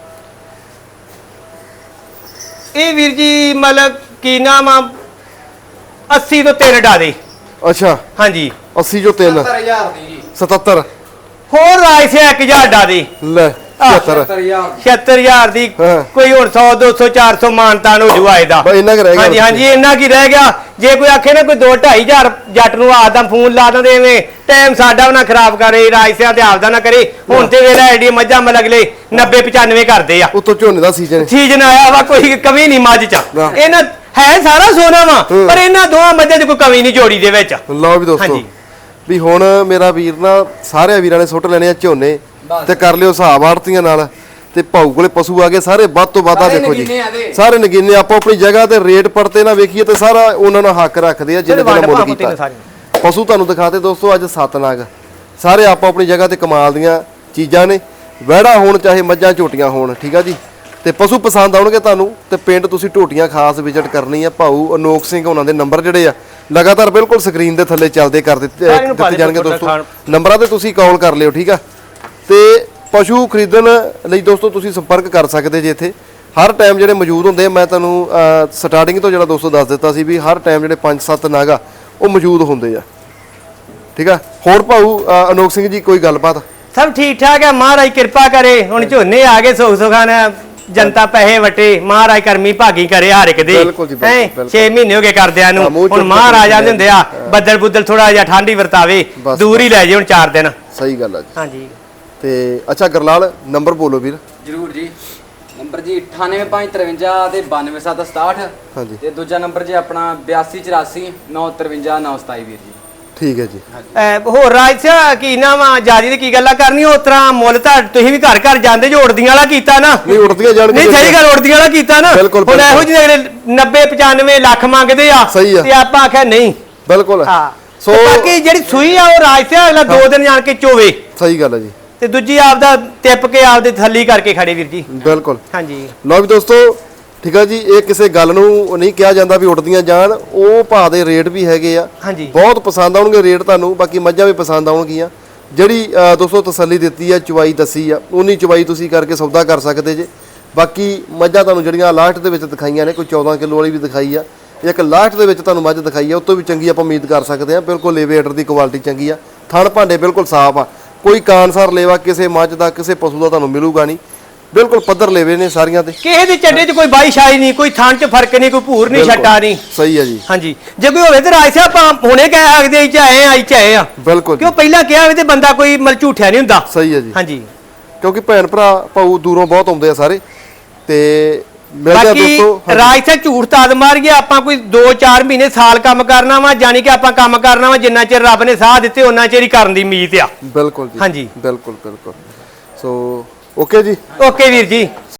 Speaker 2: ਇਹ ਵੀਰ ਜੀ ਮਤਲਬ ਕੀ ਨਾਮ ਆ ਅੱਸੀ ਤੋਂ ਤਿੰਨ ਡਾ ਦੇ
Speaker 1: ਅੱਛਾ
Speaker 2: ਹਾਂਜੀ
Speaker 1: ਅੱਸੀ ਜੋ ਤਿੰਨ
Speaker 3: ਸੱਤਰ ਹਜ਼ਾਰ ਦੀ ਜੀ
Speaker 1: ਸਤੱਤਰ
Speaker 2: ਹੋਰ ਰਾਇ ਸੇ ਇੱਕ ਹਜ਼ਾਰ ਡਾ ਦੇ
Speaker 1: ਲੈ ਸਤੱਤਰ
Speaker 3: ਸੱਤਰ ਹਜ਼ਾਰ
Speaker 2: ਛਿਅੱਤਰ ਹਜ਼ਾਰ ਦੀ
Speaker 1: ਹਾਂ।
Speaker 2: ਕੋਈ ਹੁਣ ਸੌ ਦੋ ਸੌ ਚਾਰ ਸੌ ਮਾਨਤਾਨ ਹੋ ਜੂ ਆਏ ਦਾ
Speaker 1: ਬਸ ਇੰਨਾ ਕੁ ਰਹਿ ਗਿਆ
Speaker 2: ਹਾਂਜੀ ਹਾਂਜੀ ਇੰਨਾ ਕੀ ਰਹਿ ਗਿਆ ਜੇ ਕੋਈ ਆਖੇ ਨਾ ਕੋਈ ਦੋ ਢਾਈ ਹਜ਼ਾਰ ਜੱਟ ਨੂੰ ਆਦਮ ਫੋਨ ਲਾ ਦਿੰਦੇ ਐਵੇਂ ਟਾਈਮ ਸਾਡਾ ਵੀ ਨਾ ਖਰਾਬ ਕਰੇ ਰਾਇਸਿਆਂ ਤੇ ਆਪਦਾ ਨਾ ਕਰੇ ਹੁਣ ਤੇ ਵੇਲਾ ਐਡੀ ਮੱਝਾਂ ਮਲ ਅਗਲੇ ਨੱਬੇ ਪਚਾਨਵੇਂ ਕਰਦੇ ਆ
Speaker 1: ਉੱਤੋਂ ਝੋਨੇ ਦਾ ਸੀਜ਼ਨ
Speaker 2: ਸੀਜ਼ਨ ਆਇਆ ਵਾ ਕੋਈ ਕਮੀ ਨਹੀਂ ਮੱਝ ਚ
Speaker 1: ਵਾਹ।
Speaker 2: ਇਹਨਾਂ ਹੈ ਸਾਰਾ ਸੋਨਾ ਵਾ
Speaker 1: ਹੂੰ।
Speaker 2: ਪਰ ਇਹਨਾਂ ਦੋਵਾਂ ਮੱਝਾਂ 'ਚ ਕੋਈ ਕਮੀ ਨਹੀਂ ਜੋੜੀ ਦੇ ਵਿੱਚ
Speaker 1: ਲਓ ਵੀ ਦੋਸਤੋ
Speaker 2: ਹਾਂਜੀ।
Speaker 1: ਵੀ ਹੁਣ ਮੇਰਾ ਵੀਰ ਨਾ ਸਾਰੇ ਵੀਰਾਂ ਨੇ ਸੁੱਟ ਲੈਣੇ ਆ ਝੋਨੇ
Speaker 3: ਬਸ।
Speaker 1: ਤੇ ਕਰ ਲਿਓ ਹਿਸਾਬ ਆੜਤੀਆਂ ਨਾਲ ਤੇ ਭਾਊ ਕੋਲੇ ਪਸ਼ੂ ਆ ਗਏ ਸਾਰੇ ਵੱਧ ਤੋਂ ਵੱਧ ਆ
Speaker 3: ਸਾਰੇ
Speaker 1: ਦੇਖੋ ਜੀ
Speaker 3: ਨਗੀਨੇ ਆ ਦੇ।
Speaker 1: ਸਾਰੇ ਨਗੀਨੇ ਆਪੋ ਆਪਣੀ ਜਗ੍ਹਾ ਤੇ ਰੇਟ ਪੜਤੇ ਨਾ ਵੇਖੀਏ ਤੇ ਸਾਰਾ ਉਹਨਾਂ ਨਾਲ ਹੱਕ ਰੱਖਦੇ ਆ ਜਿਹਨੇ ਜਿਹਨੇ ਮੁੱਲ ਕੀਤਾ ਪਸ਼ੂ ਤੁਹਾਨੂੰ ਦਿਖਾਤੇ ਦੋਸਤੋ ਅੱਜ ਸੱਤ ਨਾਗ ਸਾਰੇ ਆਪੋ ਆਪਣੀ ਜਗ੍ਹਾ ਤੇ ਕਮਾਲ ਦੀਆਂ ਚੀਜ਼ਾਂ ਨੇ ਵਹਿੜਾ ਹੋਣ ਚਾਹੇ ਮੱਝਾਂ ਝੋਟੀਆਂ ਹੋਣ ਠੀਕ ਆ ਜੀ ਤੇ ਪਸ਼ੂ ਪਸੰਦ ਆਉਣਗੇ ਤੁਹਾਨੂੰ ਤੇ ਪਿੰਡ ਤੁਸੀਂ ਢੋਟੀਆਂ ਖਾਸ ਵਿਜ਼ਿਟ ਕਰਨੀ ਆ ਭਾਊ ਅਨੋਖ ਸਿੰਘ ਉਹਨਾਂ ਦੇ ਨੰਬਰ ਜਿਹੜੇ ਆ ਲਗਾਤਾਰ ਬਿਲਕੁਲ ਸਕਰੀਨ ਦੇ ਥੱਲੇ ਚੱਲਦੇ ਕਰ ਦਿੱਤੇ
Speaker 2: ਸਾਰਿਆਂ ਨੂੰ ਪਾ
Speaker 1: ਦਿੱਤੇ
Speaker 2: ਦਿਓ
Speaker 1: ਜਾਣਗੇ
Speaker 2: ਤੁਹਾਡਾ
Speaker 1: ਦੋਸਤੋ
Speaker 2: ਖਾਣ।
Speaker 1: ਨੰਬਰਾਂ ਤੇ ਤੁਸੀਂ ਕਾਲ ਕਰ ਲਿਓ ਠੀਕ ਆ ਤੇ ਪਸ਼ੂ ਖਰੀਦਣ ਲਈ ਦੋਸਤੋ ਤੁਸੀਂ ਸੰਪਰਕ ਕਰ ਸਕਦੇ ਜੇ ਇੱਥੇ ਹਰ ਟਾਈਮ ਜਿਹੜੇ ਮੌਜੂਦ ਹੁੰਦੇ ਆ ਮੈਂ ਤੁਹਾਨੂੰ ਸਟਾਰਟਿੰਗ ਤੋਂ ਜਿਹੜਾ ਦੋਸਤੋ ਦੱਸ ਦਿੱਤਾ ਸੀ ਵੀ ਹਰ ਟਾਈਮ ਜਿਹੜੇ ਪੰਜ ਸੱਤ ਨਾਗਾ ਉਹ ਮੌਜੂਦ ਹੁੰਦੇ ਆ ਠੀਕ ਆ ਹੋਰ ਭਾਊ ਅ, ਅਨੋਖ ਸਿੰਘ ਜੀ ਕੋਈ ਗੱਲਬਾਤ
Speaker 2: ਸਭ ਠੀਕ ਠਾਕ ਹੈ ਮਹਾਰਾਜ ਕਿਰਪਾ ਕਰੇ ਹੁਣ ਝੋਨੇ ਆ ਗਏ ਸੁਖ ਸੁਖਾਨ ਜਨਤਾ ਪੈਸੇ ਵਟੇ ਮਹਾਰਾਜ ਕਰਮੀ ਭਾਗੀ ਕਰੇ ਹਰ ਇੱਕ ਦੇ
Speaker 1: ਬਿਲਕੁਲ ਜੀ, ਬਿਲਕੁਲ, ਬਿਲਕੁਲ।
Speaker 2: ਛੇ ਮਹੀਨੇ ਹੋ ਗਏ ਕਰਦਿਆਂ ਨੂੰ
Speaker 1: ਹਾਂ, ਮੂੰਹ
Speaker 2: ਹੁਣ
Speaker 1: ਚੁੱਕ
Speaker 2: ਮਹਾਰਾਜ
Speaker 1: ਕੇ
Speaker 2: ਆਂਦੇ ਹੁੰਦੇ ਆ ਬੱਦਲ ਬੁੱਦਲ ਥੋੜਾ ਜਿਹਾ ਠੰਡੀ ਵਰਤਾਵੇ
Speaker 1: ਬਸ,
Speaker 2: ਦੂਰ ਹੀ ਲੈ ਜੇ ਹੁਣ ਚਾਰ ਦਿਨ
Speaker 1: ਸਹੀ ਗੱਲ ਆ ਜੀ
Speaker 2: ਹਾਂਜੀ
Speaker 1: ਤੇ ਅੱਛਾ ਗਰਲਾਲ ਨੰਬਰ ਬੋਲੋ ਵੀਰ
Speaker 3: ਜ਼ਰੂਰ ਜੀ ਨੰਬਰ ਜੀ ਅਠਾਨਵੇਂ ਪੰਜ ਤਰਵੰਜਾ ਤੇ ਬਾਨਵੇਂ ਸੱਤ ਸਤਾਹਠ
Speaker 1: ਹਾਂਜੀ
Speaker 3: ਤੇ ਦੂਜਾ ਨੰਬਰ ਜੀ ਆਪਣਾ ਬਿਆਸੀ ਚੁਰਾਸੀ ਨੌ ਤਰਵੰਜਾ ਨੌ ਸਤਾਈ ਵੀਰ ਜੀ
Speaker 1: ਠੀਕ ਹੈ ਜੀ
Speaker 2: ਅਹ ਹੋਰ ਰਾਜ ਸਿਆ ਕੀ ਨਾ ਵਾ ਜਾਰੀ ਦੀ ਕੀ ਗੱਲਾਂ ਕਰਨੀ ਉਸ ਤਰ੍ਹਾਂ ਮੁੱਲ ਤਾਂ ਤੁਸੀਂ ਵੀ ਘਰ ਘਰ ਜਾਂਦੇ ਜੋ ਉੜਦੀਆਂ ਵਾਲਾ ਕੀਤਾ ਨਾ
Speaker 1: ਨਹੀਂ ਉੜਦੀਆਂ ਜਾਣਗੇ
Speaker 2: ਨਹੀਂ ਸਹੀ ਗੱਲ ਉੜਦੀਆਂ ਵਾਲਾ ਕੀਤਾ ਨਾ
Speaker 1: ਬਿਲਕੁਲ,
Speaker 2: ਹੁਣ ਇਹੋ
Speaker 1: ਬਿਲਕੁਲ।
Speaker 2: ਜਿਹੇ ਅਗਲੇ ਨੱਬੇ ਪਚਾਨਵੇਂ ਲੱਖ ਮੰਗਦੇ ਆ
Speaker 1: ਸਹੀ ਆ।
Speaker 2: ਤੇ ਆਪਾਂ ਆਖਿਆ ਨਹੀਂ
Speaker 1: ਬਿਲਕੁਲ
Speaker 2: ਹਾਂ
Speaker 1: ਸੋ
Speaker 2: ਤੇ ਬਾਕੀ ਜਿਹੜੀ ਸੂਈ ਆ ਉਹ ਰਾਜ ਸਿਆ ਅਗਲਾ ਦੋ ਦਿਨ ਜਾਣ ਕੇ ਚੋਵੇ
Speaker 1: ਸਹੀ ਗੱਲ ਹੈ ਜੀ
Speaker 2: ਤੇ ਦੂਜੀ ਆਪਦਾ ਟਿੱਪ ਕੇ ਆਪਦੇ ਥੱਲੀ ਕਰਕੇ ਖੜੇ ਵੀਰ ਜੀ
Speaker 1: ਬਿਲਕੁਲ
Speaker 2: ਹਾਂਜੀ
Speaker 1: ਲਓ ਵੀ ਦੋਸਤੋ ਠੀਕ ਆ ਜੀ ਇਹ ਕਿਸੇ ਗੱਲ ਨੂੰ ਨਹੀਂ ਕਿਹਾ ਜਾਂਦਾ ਵੀ ਉੱਡਦੀਆਂ ਜਾਣ ਉਹ ਭਾਅ ਦੇ ਰੇਟ ਵੀ ਹੈਗੇ ਆ
Speaker 2: ਹਾਂਜੀ
Speaker 1: ਬਹੁਤ ਪਸੰਦ ਆਉਣਗੇ ਰੇਟ ਤੁਹਾਨੂੰ ਬਾਕੀ ਮੱਝਾਂ ਵੀ ਪਸੰਦ ਆਉਣਗੀਆਂ ਜਿਹੜੀ ਅ, ਦੋਸਤੋ ਤਸੱਲੀ ਦਿੱਤੀ ਆ ਚੁਵਾਈ ਦੱਸੀ ਆ ਉਨੀ ਚੁਵਾਈ ਤੁਸੀਂ ਕਰਕੇ ਸੌਦਾ ਕਰ ਸਕਦੇ ਜੇ ਬਾਕੀ ਮੱਝਾਂ ਤੁਹਾਨੂੰ ਜਿਹੜੀਆਂ ਲਾਸਟ ਦੇ ਵਿੱਚ ਦਿਖਾਈਆਂ ਨੇ ਕੋਈ ਚੌਦਾਂ ਕਿਲੋ ਵਾਲੀ ਵੀ ਦਿਖਾਈ ਆ ਇੱਕ ਲਾਸਟ ਦੇ ਵਿੱਚ ਤੁਹਾਨੂੰ ਮੱਝ ਦਿਖਾਈ ਆ ਉਸ ਤੋਂ ਵੀ ਚੰਗੀ ਆਪਾਂ ਉਮੀਦ ਕਰ ਸਕਦੇ ਆ ਬਿਲਕੁਲ ਲੇਵੇਟਰ ਦੀ ਕੁਆਲਿਟੀ ਚੰਗੀ ਆ ਥਣ ਭਾਂਡੇ ਬਿਲਕੁਲ ਸਾਫ਼ ਆ ਕੋਈ ਕਾਨਸਾਰ ਲੇਵਾ ਕਿਸੇ ਮੱਝ ਦਾ ਕਿਸੇ ਪਸ਼ੂ ਦਾ ਤੁਹਾਨੂੰ ਮਿਲੂਗਾ ਨਹੀਂ ਬਿਲਕੁਲ ਪੱਧਰ ਲੇਵੇ ਨੇ ਸਾਰੀਆਂ ਤੇ
Speaker 2: ਕਿਸੇ ਦੇ ਚੱਡੇ 'ਚ ਕੋਈ ਬਾਈ ਸ਼ਾਈ ਨਹੀਂ ਕੋਈ ਥਣ 'ਚ ਫਰਕ ਨਹੀਂ ਕੋਈ ਭੂਰ ਨਹੀਂ ਛੱਟਾ ਨਹੀਂ
Speaker 1: ਸਹੀ ਆ ਜੀ
Speaker 2: ਹਾਂਜੀ ਜੇ ਕੋਈ ਹੋਵੇ ਤੇ ਰਾਜ ਸਾਹਿਬ ਆਪਾਂ ਹੁਣੇ ਕਹਿ ਸਕਦੇ ਚ ਆਏ ਆਈ ਚ ਆਏ ਆ
Speaker 1: ਬਿਲਕੁਲ ਜੀ,
Speaker 2: ਕਿਉਂ ਪਹਿਲਾਂ ਕਿਹਾ ਹੋਵੇ ਤੇ ਬੰਦਾ ਕੋਈ ਮਲ ਝੂਠਿਆ ਨਹੀਂ ਹੁੰਦਾ
Speaker 1: ਸਹੀ ਆ ਜੀ
Speaker 2: ਹਾਂਜੀ
Speaker 1: ਕਿਉਂਕਿ ਭੈਣ ਭਰਾ ਭਾਊ ਦੂਰੋਂ ਬਹੁਤ ਆਉਂਦੇ ਆ ਸਾਰੇ ਤੇ ਮਿਲਦੇ ਆ
Speaker 2: ਬਾਕੀ
Speaker 1: ਦੋਸਤੋ
Speaker 2: ਰਾਜ ਸੇ ਝੂਠ ਤਾਦ ਮਾਰ ਗਿਆ ਆਪਾਂ ਕੋਈ ਦੋ ਚਾਰ ਮਹੀਨੇ ਸਾਲ ਕੰਮ ਕਰਨਾ ਵਾ ਜਾਨੀ ਕਿ ਆਪਾਂ ਕੰਮ ਕਰਨਾ ਵਾ ਜਿੰਨਾ ਚਿਰ ਰੱਬ ਨੇ ਸਾਹ ਦਿੱਤੇ ਉਹਨਾਂ ਚਿਰ ਹੀ ਕਰਨ ਦੀ ਉਮੀਦ ਆ
Speaker 1: ਬਿਲਕੁਲ ਜੀ
Speaker 2: ਹਾਂਜੀ
Speaker 1: ਬਿਲਕੁਲ ਬਿਲਕੁਲ ਸੋ ਓਕੇ ਜੀ
Speaker 2: ਓਕੇ ਵੀਰ ਜੀ